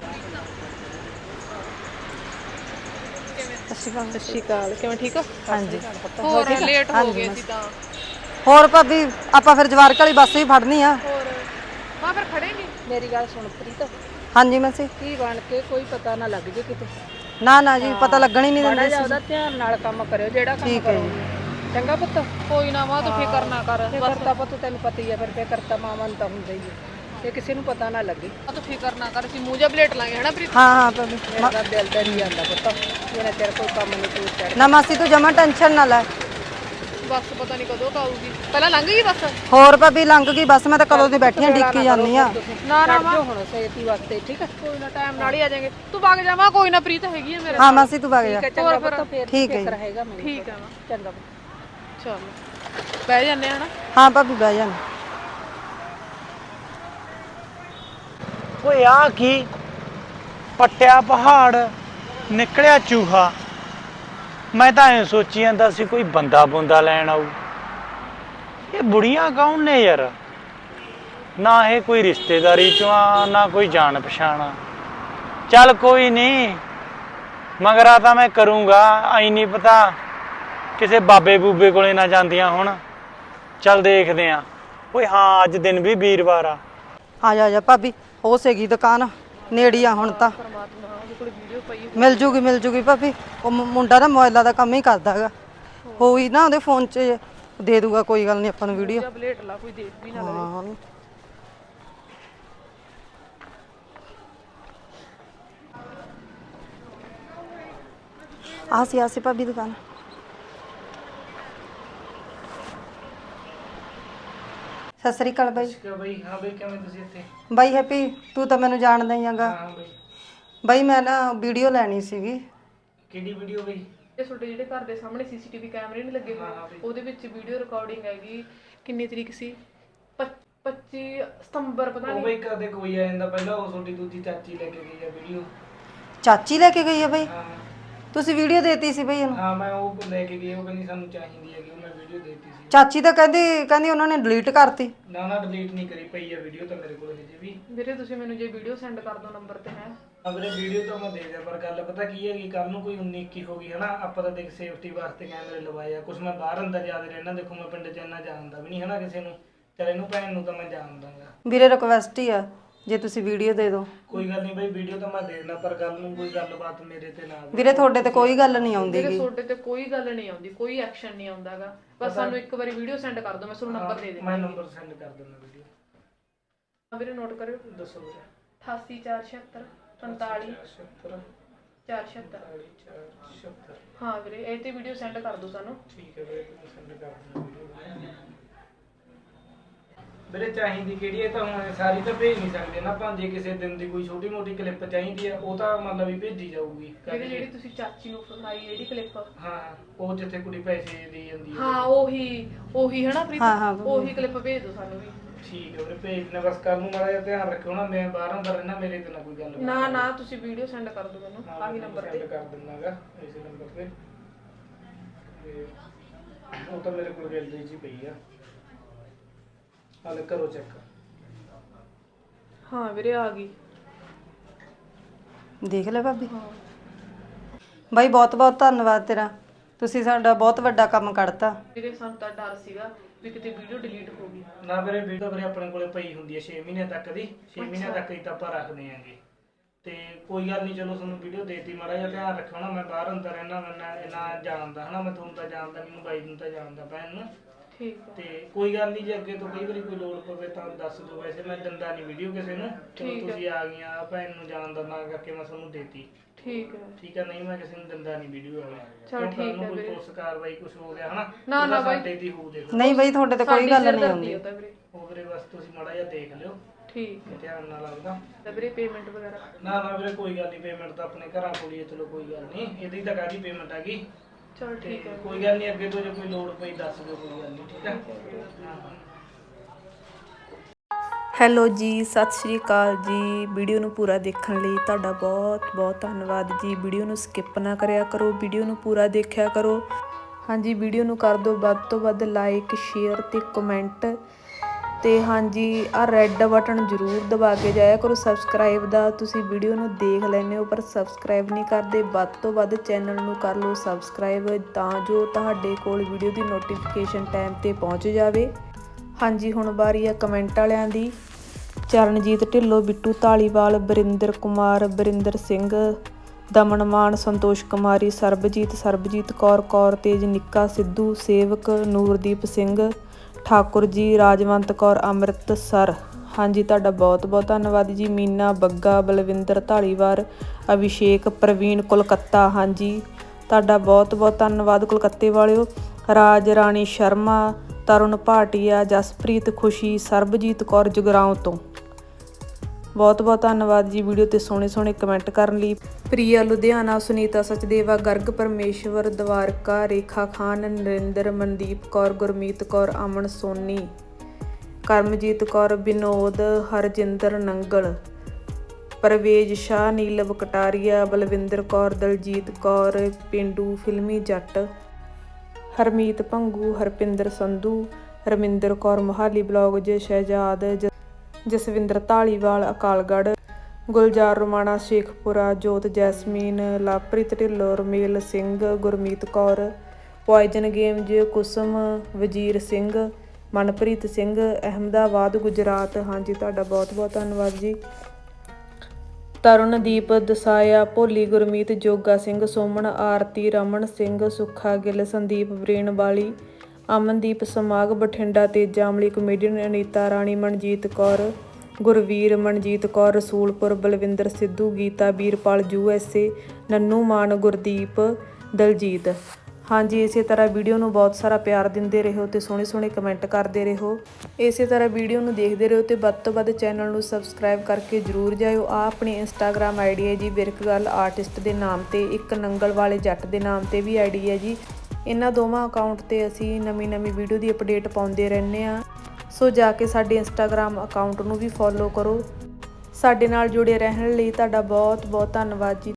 S5: ਸਤਿ ਸ਼੍ਰੀ ਅਕਾਲ, ਕਿਵੇਂ ਠੀਕ ਹੋ? ਹਾਂਜੀ। ਹੋਰ ਲੇਟ ਹੋ ਗਏ ਸੀ ਤਾਂ।
S4: ਹੋਰ ਭਾਬੀ ਆਪਾਂ ਫਿਰ ਜਵਾਰਕ ਵਾਲੀ ਬੱਸ ਹੀ ਫੜਨੀ ਆ।
S5: ਹੋਰ ਮਾਂ ਫਿਰ ਖੜੇ ਨਹੀਂ।
S6: ਮੇਰੀ ਗੱਲ ਸੁਣ ਪ੍ਰੀਤ,
S4: ਹਾਂਜੀ ਮੈਂ ਸੀ।
S6: ਕੀ ਬਣ ਕੇ ਕੋਈ ਪਤਾ ਨਾ ਲੱਗ ਜੇ ਕਿਤੇ।
S4: ਨਾ ਜੀ ਪਤਾ ਲੱਗਣ ਹੀ ਨਹੀਂ
S6: ਬੜਾ
S4: ਦਿੰਦੇ
S6: ਜਿਆਦਾ ਧਿਆਨ ਨਾਲ ਕੰਮ ਕਰਿਓ ਜਿਹੜਾ ਕੰਮ
S4: ਠੀਕ ਹੈ
S6: ਕਰੋ।
S4: ਜੀ।
S6: ਚੰਗਾ ਪੁੱਤ।
S5: ਕੋਈ ਨਾ ਮਾਂ ਤੂੰ ਫਿਕਰ ਨਾ ਕਰ,
S6: ਫਿਕਰ ਤਾਂ ਪੁੱਤ ਤੈਨੂੰ ਪਤਾ ਹੀ ਆ, ਫਿਰ ਫਿਕਰ ਤਾਂ ਮਾਵਾਂ ਨੂੰ ਤਾਂ ਹੁੰਦਾ ਹੀ ਹੈ, ਇਹ ਕਿਸੇ ਨੂੰ ਪਤਾ ਨਾ ਲੱਗੇ।
S5: ਤੂੰ ਫਿਕਰ ਨਾ ਕਰ, ਅਸੀਂ ਮੂੰਹ ਜਿਹਾ ਪਲੇਟ ਲਾਂਗੇ ਹਨਾ ਪ੍ਰੀਤ।
S4: ਹਾਂ ਭਾਬੀ।
S6: ਮੇਰਾ ਦਿਲ ਤਾਂ ਨਹੀਂ ਜਾਂਦਾ ਪੁੱਤ, ਜਿਹਨੇ ਤੇਰੇ ਕੋਈ ਕੰਮ ਨਹੀਂ ਤੂੰ ਚੜ।
S4: ਨਾ ਮਾਸੀ ਤੂੰ ਜਮਾ ਟੈਨਸ਼ਨ ਨਾ ਲੈ।
S5: ਬੱਸ ਪਤਾ ਨਹੀਂ ਕਦੋਂ ਆਊਗੀ, ਪਹਿਲਾਂ ਲੰਘ ਗਈ ਬੱਸ।
S4: ਹੋਰ ਭਾਬੀ ਲੰਘ ਗਈ ਬੱਸ, ਮੈਂ ਤਾਂ ਕਦੋਂ ਦੀ ਬੈਠੀ ਆਂ ਡਿੱਕੀ ਜਾਂਦੀ ਆ।
S5: ਨਾ ਨਾ
S6: ਜੋ ਹੁਣ ਸੇਤੀ ਵਾਸਤੇ ਠੀਕ ਹੈ।
S5: ਕੋਈ ਨਾ ਟਾਈਮ ਨਾਲ ਹੀ ਆ ਜਾਵਾਂਗੇ, ਤੂੰ ਵਗ ਜਾਵਾਂ। ਕੋਈ ਨਾ ਪ੍ਰੀਤ ਹੈਗੀ ਆ ਮੇਰੇ
S4: ਹਾਂ ਮਾਸੀ ਤੂੰ ਵਗ ਜਾ।
S6: ਚੰਗਾ ਪੁੱਤ, ਫੇਰ
S4: ਠੀਕ ਹੈ
S6: ਫਿਕਰ
S4: ਜੀ।
S6: ਹੈਗਾ ਮੈਨੂੰ।
S5: ਠੀਕ ਹੈ ਮਾਂ,
S6: ਚੰਗਾ
S5: ਚਲ ਬਹਿ ਜਾਂਦੇ ਆ ਹਨਾ।
S4: ਹਾਂ ਭਾਬੀ ਬਹਿ ਜਾ।
S9: ਓਏ ਆ ਕੀ ਪੱਟਿਆ ਪਹਾੜ ਨਿਕਲਿਆ ਚੂਹਾ। ਮੈਂ ਤਾਂ ਐਂ ਸੋਚੀ ਜਾਂਦਾ ਸੀ ਕੋਈ ਬੰਦਾ ਬੁੰਦਾ ਲੈਣ ਆਊ। ਇਹ ਬੁੜੀਆਂ ਕੌਣ ਨੇ ਯਾਰ? ਨਾ ਇਹ ਕੋਈ ਰਿਸ਼ਤੇਦਾਰੀ ਚੋਂ ਆ, ਨਾ ਕੋਈ ਜਾਣ ਪਛਾਣ ਆ। ਚੱਲ ਕੋਈ ਨਹੀਂ, ਮਗਰਾ ਤਾਂ ਮੈਂ ਕਰੂੰਗਾ। ਐ ਨਹੀਂ ਪਤਾ ਕਿਸੇ ਬਾਬੇ ਬੂਬੇ ਕੋਲੇ ਨਾ ਜਾਂਦੀਆਂ ਹੁਣ। ਚੱਲ ਦੇਖਦੇ ਆ। ਓਏ ਹਾਂ ਅੱਜ ਦਿਨ ਵੀ ਵੀਰਵਾਰ ਆ।
S4: ਆ ਜਾ ਭਾਬੀ, ਹੋ ਸੀਗੀ ਦੁਕਾਨ ਨੇੜੀ ਆ ਹੁਣ ਤਾਂ। ਮਿਲ ਜੂਗੀ ਭਾਬੀ। ਉਹ ਮੁੰਡਾ ਨਾ ਮੋਬਾਈਲਾਂ ਦਾ ਕੰਮ ਹੀ ਕਰਦਾ ਹੈਗਾ, ਹੋਈ ਨਾ ਉਹਦੇ ਫੋਨ 'ਚ ਦੇ ਦੂਗਾ, ਕੋਈ ਗੱਲ ਨਹੀਂ ਆਪਾਂ ਨੂੰ ਵੀਡੀਓ।
S5: ਪਲੇਟ ਲਾ, ਕੋਈ ਦੇਖ ਵੀ ਨਾ ਲਵੇ।
S4: ਹਾਂ ਆਸੀ ਭਾਬੀ ਦੁਕਾਨ। ਸਤਿ ਸ੍ਰੀ ਅਕਾਲ ਬਾਈ।
S10: ਬਾਈ ਹਾਂ ਬਾਈ, ਕਿਵੇਂ ਤੁਸੀਂ ਇੱਥੇ?
S4: ਬਾਈ ਹੈਪੀ, ਤੂੰ ਤਾਂ ਮੈਨੂੰ ਜਾਣਦਾ ਹੀ ਹੈਗਾ।
S10: ਹਾਂ ਬਾਈ।
S4: ਬਾਈ ਮੈਂ ਨਾ ਵੀਡੀਓ ਲੈਣੀ ਸੀਗੀ।
S10: ਕਿਹੜੀ ਵੀਡੀਓ ਬਾਈ?
S5: ਇਹ ਤੁਹਾਡੇ ਜਿਹੜੇ ਘਰ ਦੇ ਸਾਹਮਣੇ ਸੀਸੀਟੀਵੀ ਕੈਮਰੇ ਨਹੀਂ ਲੱਗੇ ਹੋਏ, ਉਹਦੇ ਵਿੱਚ ਵੀਡੀਓ ਰਿਕਾਰਡਿੰਗ ਹੈਗੀ। ਕਿੰਨੀ ਤਰੀਕ ਸੀ? 25 ਸਤੰਬਰ ਪਤਾ
S10: ਉਹ
S5: ਨਹੀਂ।
S10: ਬਾਈ ਕਦੇ ਕੋਈ ਆ ਜਾਂਦਾ, ਪਹਿਲਾਂ ਉਹ ਤੁਹਾਡੀ ਦੂਜੀ ਚਾਚੀ ਲੈ ਕੇ ਗਈ ਆ ਵੀਡੀਓ।
S4: ਚਾਚੀ ਲੈ ਕੇ ਗਈ ਹੈ ਬਾਈ?
S10: ਹਾਂ
S4: ਤੁਸੀਂ ਵੀਡੀਓ ਦੇਤੀ ਸੀ ਬਈ ਉਹਨੂੰ?
S10: ਹਾਂ ਮੈਂ ਉਹ ਲੈ ਕੇ ਗਈ, ਉਹ ਕਹਿੰਦੀ ਸਾਨੂੰ ਚਾਹੀਦੀ ਹੈਗੀ, ਉਹ ਮੈਂ ਵੀਡੀਓ ਦੇਤੀ ਸੀ।
S4: ਚਾਚੀ ਤਾਂ ਕਹਿੰਦੀ ਉਹਨਾਂ ਨੇ ਡਿਲੀਟ ਕਰਤੀ।
S10: ਨਾ ਡਿਲੀਟ ਨਹੀਂ ਕਰੀ ਪਈ ਆ ਵੀਡੀਓ ਤਾਂ ਮੇਰੇ ਕੋਲ ਹਜੇ ਵੀ।
S5: ਵੀਰੇ ਤੁਸੀਂ ਮੈਨੂੰ ਜੇ ਵੀਡੀਓ ਸੈਂਡ ਕਰ ਦਿਓ ਨੰਬਰ ਤੇ ਹੈ।
S10: ਵੀਰੇ ਵੀਡੀਓ ਤਾਂ ਮੈਂ ਦੇ ਦਿਆ, ਪਰ ਗੱਲ ਪਤਾ ਕੀ ਹੈਗੀ, ਕੱਲ ਨੂੰ ਕੋਈ 19-21 ਹੋ ਗਈ ਹਨਾ, ਆਪਾਂ ਤਾਂ ਦੇਖ ਸੇਫਟੀ ਵਾਸਤੇ ਕੈਮਰੇ ਲਵਾਏ ਆ। ਕੁਛ ਮੈਂ ਬਾਹਰ ਅੰਦਰ ਜਿਆਦਾ ਰਹਿਣਾ, ਦੇਖੋ ਮੈਂ ਪਿੰਡ 'ਚ ਇੰਨਾ ਜਾਣਦਾ ਵੀ ਨਹੀਂ ਹਨਾ ਕਿਸੇ ਨੂੰ, ਚਲ ਇਹਨੂੰ ਭੈਣ ਨੂੰ ਤਾਂ ਮੈਂ ਜਾਣਦਾਗਾ।
S4: ਵੀਰੇ ਰਿਕਵੈਸਟ ਹੀ ਆ ਜੇ ਤੁਸੀਂ ਵੀਡੀਓ ਦੇ ਦਿਓ।
S10: ਕੋਈ ਗੱਲ ਨਹੀਂ ਬਈ, ਵੀਡੀਓ ਤਾਂ ਮੈਂ ਦੇ ਦੇਣਾ, ਪਰ ਕੱਲ ਨੂੰ ਕੋਈ ਗੱਲਬਾਤ ਮੇਰੇ ਤੇ ਨਾ ਆਵੇ।
S4: ਵੀਰੇ ਤੁਹਾਡੇ ਤੇ ਕੋਈ ਗੱਲ ਨਹੀਂ ਆਉਂਦੀ
S5: ਵੀਰੇ ਤੁਹਾਡੇ ਤੇ ਕੋਈ ਗੱਲ ਨਹੀਂ ਆਉਂਦੀ, ਕੋਈ ਐਕਸ਼ਨ ਨਹੀਂ ਆਉਂਦਾਗਾ। ਬਸ ਸਾਨੂੰ ਇੱਕ ਵਾਰੀ ਵੀਡੀਓ ਸੈਂਡ ਕਰ ਦਿਓ, ਮੈਂ ਤੁਹਾਨੂੰ ਨੰਬਰ ਦੇ ਦੇਵਾਂ।
S10: ਮੈਂ ਨੰਬਰ ਸੈਂਡ ਕਰ ਦਿੰਦਾ ਵੀਡੀਓ।
S5: ਵੀਰੇ ਨੋਟ ਕਰਿਓ।
S10: ਦੱਸੋ ਵੀਰੇ।
S5: 88 476 45 476। ਹਾਂ ਵੀਰੇ ਇਹ ਤੇ ਵੀਡੀਓ ਸੈਂਡ ਕਰ ਦਿਓ ਸਾਨੂੰ।
S10: ਠੀਕ ਹੈ ਵੀਰੇ, ਸੈਂਡ ਕਰ ਦਿੰਦਾ ਵੀਡੀਓ। ਵੀਰੇ ਚਾਹੀਦੀ ਕਿਹੜੀ ਹੈ ਤਾਂ ਹੁਣ ਸਾਰੀ ਤਾਂ ਭੇਜ ਨਹੀਂ ਸਕਦੇ ਨਾ, ਭਾਂਜੇ ਕਿਸੇ ਦਿਨ ਦੀ ਕੋਈ ਛੋਟੀ ਮੋਟੀ ਕਲਿੱਪ ਚਾਹੀਦੀ ਆ, ਉਹ ਤਾਂ ਮਤਲਬ ਵੀ ਭੇਜੀ ਜਾਊਗੀ।
S5: ਵੀਰੇ ਜਿਹੜੀ ਤੁਸੀਂ ਚਾਚੀ ਨੂੰ ਫਸਾਈ ਜਿਹੜੀ ਕਲਿੱਪ,
S10: ਹਾਂ ਉਹ ਜਿੱਥੇ ਕੁੜੀ ਪੈਸੇ ਦੇ ਜਾਂਦੀ ਹੈ।
S5: ਹਾਂ ਉਹੀ ਹੈ ਨਾ ਪ੍ਰੀਤ, ਉਹੀ ਕਲਿੱਪ ਭੇਜ ਦਿਓ ਸਾਨੂੰ ਵੀ।
S10: ਠੀਕ ਹੈ ਵੀਰੇ, ਭੇਜ ਦੇਣਾ। ਬਸ ਕੱਲ ਨੂੰ ਮਾੜਾ ਜਿਹਾ ਧਿਆਨ ਰੱਖਿਓ ਨਾ, ਮੈਂ ਬਾਹਰ ਅੰਦਰ ਰਹਿਣਾ, ਮੇਰੇ ਤੇ ਨਾ ਕੋਈ ਗੱਲ
S5: ਨਾ ਤੁਸੀਂ ਵੀਡੀਓ ਸੈਂਡ ਕਰ ਦਿਓ ਮੈਨੂੰ ਆਹੀ ਨੰਬਰ ਤੇ।
S10: ਸੈਂਡ ਕਰ ਦਿੰਦਾਗਾ ਇਸੇ ਨੰਬਰ ਤੇ। ਉਹ ਤਾਂ ਮੇਰੇ ਕੋਲ ਗੈਲਰੀ 'ਚ ਹੀ ਪਈ ਆ, ਹਾਲੇ ਕਰੋ ਚੈੱਕ।
S5: ਹਾਂ ਵੀਰੇ ਆ ਗਈ,
S4: ਦੇਖ ਲੈ ਭਾਬੀ। ਬਾਈ ਬਹੁਤ ਬਹੁਤ ਧੰਨਵਾਦ ਤੇਰਾ, ਤੁਸੀਂ ਸਾਡਾ ਬਹੁਤ ਵੱਡਾ ਕੰਮ ਕੱਢਤਾ।
S5: ਵੀਰੇ ਸਾਨੂੰ ਤਾਂ ਡਰ ਸੀਗਾ ਵੀ ਕਿਤੇ ਵੀਡੀਓ ਡਿਲੀਟ ਹੋ ਗਈ।
S10: ਨਾ ਵੀਰੇ, ਵੀਡੀਓ ਵੀਰੇ ਆਪਣੇ ਕੋਲੇ ਪਈ ਹੁੰਦੀ ਹੈ 6 ਮਹੀਨੇ ਤੱਕ ਦੀ, 6 ਮਹੀਨੇ ਤੱਕ ਹੀ ਤਾਂ ਆਪਾਂ ਰੱਖਦੇ ਆਂਗੇ। ਤੇ ਕੋਈ ਗੱਲ ਨਹੀਂ, ਚਲੋ ਤੁਹਾਨੂੰ ਵੀਡੀਓ ਦੇਤੀ, ਮਾੜਾ ਜਿਹਾ ਧਿਆਨ ਰੱਖੋ ਨਾ। ਮੈਂ ਬਾਹਰ ਅੰਦਰ ਰਹਿਣਾ, ਮੈਂ ਇਹਨਾਂ ਜਾਣਦਾ ਹਨਾ, ਮੈਂ ਤੁਹਾਨੂੰ ਤਾਂ ਜਾਣਦਾ ਨਹੀਂ, ਬਾਈ ਨੂੰ ਤਾਂ ਜਾਣਦਾ ਭੈਣ ਨੂੰ।
S5: ਠੀਕ ਹੈ।
S10: ਤੇ ਕੋਈ ਗੱਲ ਨਹੀਂ, ਜੇ ਅੱਗੇ ਤੋਂ ਕਈ ਵਾਰੀ ਕੋਈ ਲੋੜ ਪਵੇ ਤਾਂ ਦੱਸ ਦਿਓ। ਵੈਸੇ ਮੈਂ ਦਿੰਦਾ ਨਹੀਂ ਵੀਡੀਓ ਕਿਸੇ ਨੂੰ, ਚਲੋ ਤੁਸੀਂ ਆ ਗਈਆਂ, ਭੈਣ ਨੂੰ ਜਾਣਦਾ ਨਾ ਕਰਕੇ ਮੈਂ ਤੁਹਾਨੂੰ ਦੇਤੀ।
S5: ਠੀਕ ਹੈ।
S10: ਠੀਕ ਹੈ, ਨਹੀਂ ਮੈਂ ਕਿਸੇ ਨੂੰ ਦਿੰਦਾ ਨਹੀਂ ਵੀਡੀਓ ਵਾਲਾ।
S5: ਚਲ ਠੀਕ ਹੈ
S10: ਕੋਈ ਪੁਲਿਸ ਕਾਰਵਾਈ ਕੁਝ ਹੋ ਗਿਆ ਹਨਾ,
S5: ਨਾ ਬਾਈ
S10: ਸਾਡੇ ਦੀ ਹੋ ਦੇਖੋ।
S4: ਨਹੀਂ ਬਾਈ ਤੁਹਾਡੇ ਤੇ ਕੋਈ ਗੱਲ ਨਹੀਂ ਆਉਂਦੀ।
S10: ਉਹ ਵੀਰੇ ਬਸ ਤੁਸੀਂ ਮਾੜਾ ਜਿਹਾ ਦੇਖ ਲਿਓ,
S5: ਠੀਕ ਹੈ।
S10: ਧਿਆਨ ਨਾਲ ਲੱਗਦਾ
S5: ਤਾਂ ਵੀਰੇ ਪੇਮੈਂਟ ਵਗੈਰਾ?
S10: ਨਾ ਵੀਰੇ ਕੋਈ ਗੱਲ ਨਹੀਂ, ਪੇਮੈਂਟ ਤਾਂ ਆਪਣੇ ਘਰਾਂ ਕੋਲ ਹੀ ਹੈ, ਚਲੋ ਕੋਈ ਗੱਲ ਨਹੀਂ, ਇਹਦੀ ਤਾਂ ਕਾਹਦੀ ਪੇਮੈਂਟ ਹੈਗੀ।
S5: ਚਲ ਠੀਕ ਹੈ,
S10: ਕੋਈ ਗੱਲ ਨਹੀਂ, ਅੱਗੇ ਤੋਂ ਜੇ ਕੋਈ ਲੋੜ ਪਈ ਦੱਸ ਦਿਓ, ਕੋਈ ਗੱਲ ਨਹੀਂ। ਠੀਕ ਹੈ।
S11: ਹੈਲੋ ਜੀ, ਸਤਿ ਸ਼੍ਰੀ ਅਕਾਲ ਜੀ। ਵੀਡੀਓ ਨੂੰ ਪੂਰਾ ਦੇਖਣ ਲਈ ਤੁਹਾਡਾ ਬਹੁਤ ਬਹੁਤ ਧੰਨਵਾਦ ਜੀ। ਵੀਡੀਓ ਨੂੰ ਸਕਿਪ ਨਾ ਕਰਿਆ ਕਰੋ, ਵੀਡੀਓ ਨੂੰ ਪੂਰਾ ਦੇਖਿਆ ਕਰੋ। ਹਾਂਜੀ, ਵੀਡੀਓ ਨੂੰ ਕਰ ਦਿਓ ਵੱਧ ਤੋਂ ਵੱਧ ਲਾਈਕ, ਸ਼ੇਅਰ ਤੇ ਕਮੈਂਟ। ਤੇ ਹਾਂਜੀ, ਆਹ ਰੈੱਡ ਬਟਨ ਜ਼ਰੂਰ ਦਬਾ ਕੇ ਜਾਇਆ ਕਰੋ ਸਬਸਕ੍ਰਾਈਬ ਦਾ। ਤੁਸੀਂ ਵੀਡੀਓ ਨੂੰ ਦੇਖ ਲੈਂਦੇ ਹੋ ਪਰ ਸਬਸਕ੍ਰਾਈਬ ਨਹੀਂ ਕਰਦੇ, ਵੱਧ ਤੋਂ ਵੱਧ ਚੈਨਲ ਨੂੰ ਕਰ ਲਓ ਸਬਸਕ੍ਰਾਈਬ, ਤਾਂ ਜੋ ਤੁਹਾਡੇ ਕੋਲ ਵੀਡੀਓ ਦੀ ਨੋਟੀਫਿਕੇਸ਼ਨ ਟਾਈਮ ਤੇ ਪਹੁੰਚ ਜਾਵੇ। ਹਾਂਜੀ, ਹੁਣ ਵਾਰੀ ਆ ਕਮੈਂਟ ਵਾਲਿਆਂ ਦੀ। ਚਰਨਜੀਤ ਢਿੱਲੋਂ, ਬਿੱਟੂ ਧਾਲੀਵਾਲ, ਬਰਿੰਦਰ ਕੁਮਾਰ, ਬਰਿੰਦਰ ਸਿੰਘ, ਦਮਨ ਮਾਨ, ਸੰਤੋਸ਼ ਕੁਮਾਰੀ, ਸਰਬਜੀਤ ਕੌਰ ਤੇਜ, ਨਿੱਕਾ ਸਿੱਧੂ, ਸੇਵਕ, ਨੂਰਦੀਪ ਸਿੰਘ ਠਾਕੁਰ ਜੀ, ਰਾਜਵੰਤ ਕੌਰ, ਅੰਮ੍ਰਿਤਸਰ। ਹਾਂਜੀ, ਤੁਹਾਡਾ ਬਹੁਤ ਬਹੁਤ ਧੰਨਵਾਦ ਜੀ। ਮੀਨਾ ਬੱਗਾ, ਬਲਵਿੰਦਰ ਧਾਲੀਵਾਲ, ਅਭਿਸ਼ੇਕ, ਪ੍ਰਵੀਨ ਕੋਲਕਾਤਾ। ਹਾਂਜੀ, ਤੁਹਾਡਾ ਬਹੁਤ ਬਹੁਤ ਧੰਨਵਾਦ ਕੋਲਕਾਤੇ ਵਾਲਿਓ। ਰਾਜ ਰਾਣੀ ਸ਼ਰਮਾ, ਤਰੁਣ ਭਾਟੀਆ, ਜਸਪ੍ਰੀਤ, ਖੁਸ਼ੀ, ਸਰਬਜੀਤ ਕੌਰ ਜਗਰਾਉਂ ਤੋਂ। ਬਹੁਤ ਬਹੁਤ ਧੰਨਵਾਦ ਜੀ ਵੀਡੀਓ ਤੇ ਸੋਹਣੇ ਸੋਹਣੇ ਕਮੈਂਟ ਕਰਨ ਲਈ। ਪ੍ਰਿਆ ਲੁਧਿਆਣਾ, ਸੁਨੀਤਾ ਸਚਦੇਵਾ, ਗਰਗ ਪਰਮੇਸ਼ਵਰ, ਦਵਾਰਕਾ, ਰੇਖਾ ਖਾਨ, ਨਰਿੰਦਰ, ਮਨਦੀਪ ਕੌਰ, ਗੁਰਮੀਤ ਕੌਰ, ਅਮਨ ਸੋਨੀ, ਕਰਮਜੀਤ ਕੌਰ, ਵਿਨੋਦ, ਹਰਜਿੰਦਰ ਨੰਗਲ, ਪਰਵੇਜ ਸ਼ਾਹ, ਨੀਲਵ Kataria, Balwinder Kaur, Daljit Kaur, Pindu filmy Jatt, Harmeet Bhangu, Harpinder Sandhu, Raminder Kaur, Mohali blog, Shehzad, Jaswinder Dhaliwal, Akalgarh, Gulzar Romana, Sheikhupura, Jot Jasmine, Lovepreet Dhillon, Ramel Singh, Gurmeet Kaur, poison games, Kusum, Wazir Singh, Manpreet Singh, Ahmedabad, Gujarat. ਹਾਂਜੀ, ਤੁਹਾਡਾ ਬਹੁਤ ਬਹੁਤ ਧੰਨਵਾਦ ਜੀ। ਤਰੁਣਦੀਪ ਦਸਾਇਆ, ਭੋਲੀ, ਗੁਰਮੀਤ, ਜੋਗਾ ਸਿੰਘ, ਸੋਮਨ, ਆਰਤੀ, ਰਮਨ ਸਿੰਘ, ਸੁੱਖਾ ਗਿੱਲ, ਸੰਦੀਪ ਬਰੇਨ ਵਾਲੀ, ਅਮਨਦੀਪ ਸਮਾਗ, ਬਠਿੰਡਾ, ਤੇਜਾ ਅਮਲੀ, ਕਮੇਡੀਅਨ ਅਨੀਤਾ ਰਾਣੀ, ਮਨਜੀਤ ਕੌਰ, ਗੁਰਵੀਰ, ਮਨਜੀਤ ਕੌਰ, ਰਸੂਲਪੁਰ, ਬਲਵਿੰਦਰ ਸਿੱਧੂ, ਗੀਤਾ, ਵੀਰਪਾਲ, USA, ਨੰਨੂ ਮਾਨ, ਗੁਰਦੀਪ, ਦਲਜੀਤ। ਹਾਂਜੀ, ਇਸੇ ਤਰ੍ਹਾਂ ਵੀਡੀਓ ਨੂੰ ਬਹੁਤ ਸਾਰਾ ਪਿਆਰ ਦਿੰਦੇ ਰਹੋ ਤੇ ਸੋਹਣੇ ਸੋਹਣੇ ਕਮੈਂਟ ਕਰਦੇ ਰਹੋ। ਇਸੇ ਤਰ੍ਹਾਂ ਵੀਡੀਓ ਨੂੰ ਦੇਖਦੇ ਰਹੋ ਤੇ ਵੱਧ ਤੋਂ ਵੱਧ ਚੈਨਲ ਨੂੰ ਸਬਸਕ੍ਰਾਈਬ ਕਰਕੇ ਜ਼ਰੂਰ ਜਾਇਓ। ਆ ਆਪਣੀ ਇੰਸਟਾਗ੍ਰਾਮ ਆਈਡੀ ਹੈ ਜੀ, ਬਿਰਕਗਰਲ ਆਰਟਿਸਟ ਦੇ ਨਾਮ ਤੇ, ਇੱਕ ਨੰਗਲ ਵਾਲੇ ਜੱਟ ਦੇ ਨਾਮ ਤੇ ਵੀ ਆਈਡੀ ਹੈ ਜੀ। ਇਹਨਾਂ ਦੋਵਾਂ ਅਕਾਊਂਟ ਤੇ ਅਸੀਂ ਨਵੀਂ ਵੀਡੀਓ ਦੀ ਅਪਡੇਟ ਪਾਉਂਦੇ ਰਹਿੰਦੇ ਹਾਂ। ਸੋ ਜਾ ਕੇ ਸਾਡੇ ਇੰਸਟਾਗ੍ਰਾਮ ਅਕਾਊਂਟ ਨੂੰ ਵੀ ਫੋਲੋ ਕਰੋ। ਸਾਡੇ ਨਾਲ ਜੁੜੇ ਰਹਿਣ ਲਈ ਤੁਹਾਡਾ ਬਹੁਤ ਬਹੁਤ ਧੰਨਵਾਦ ਜੀ।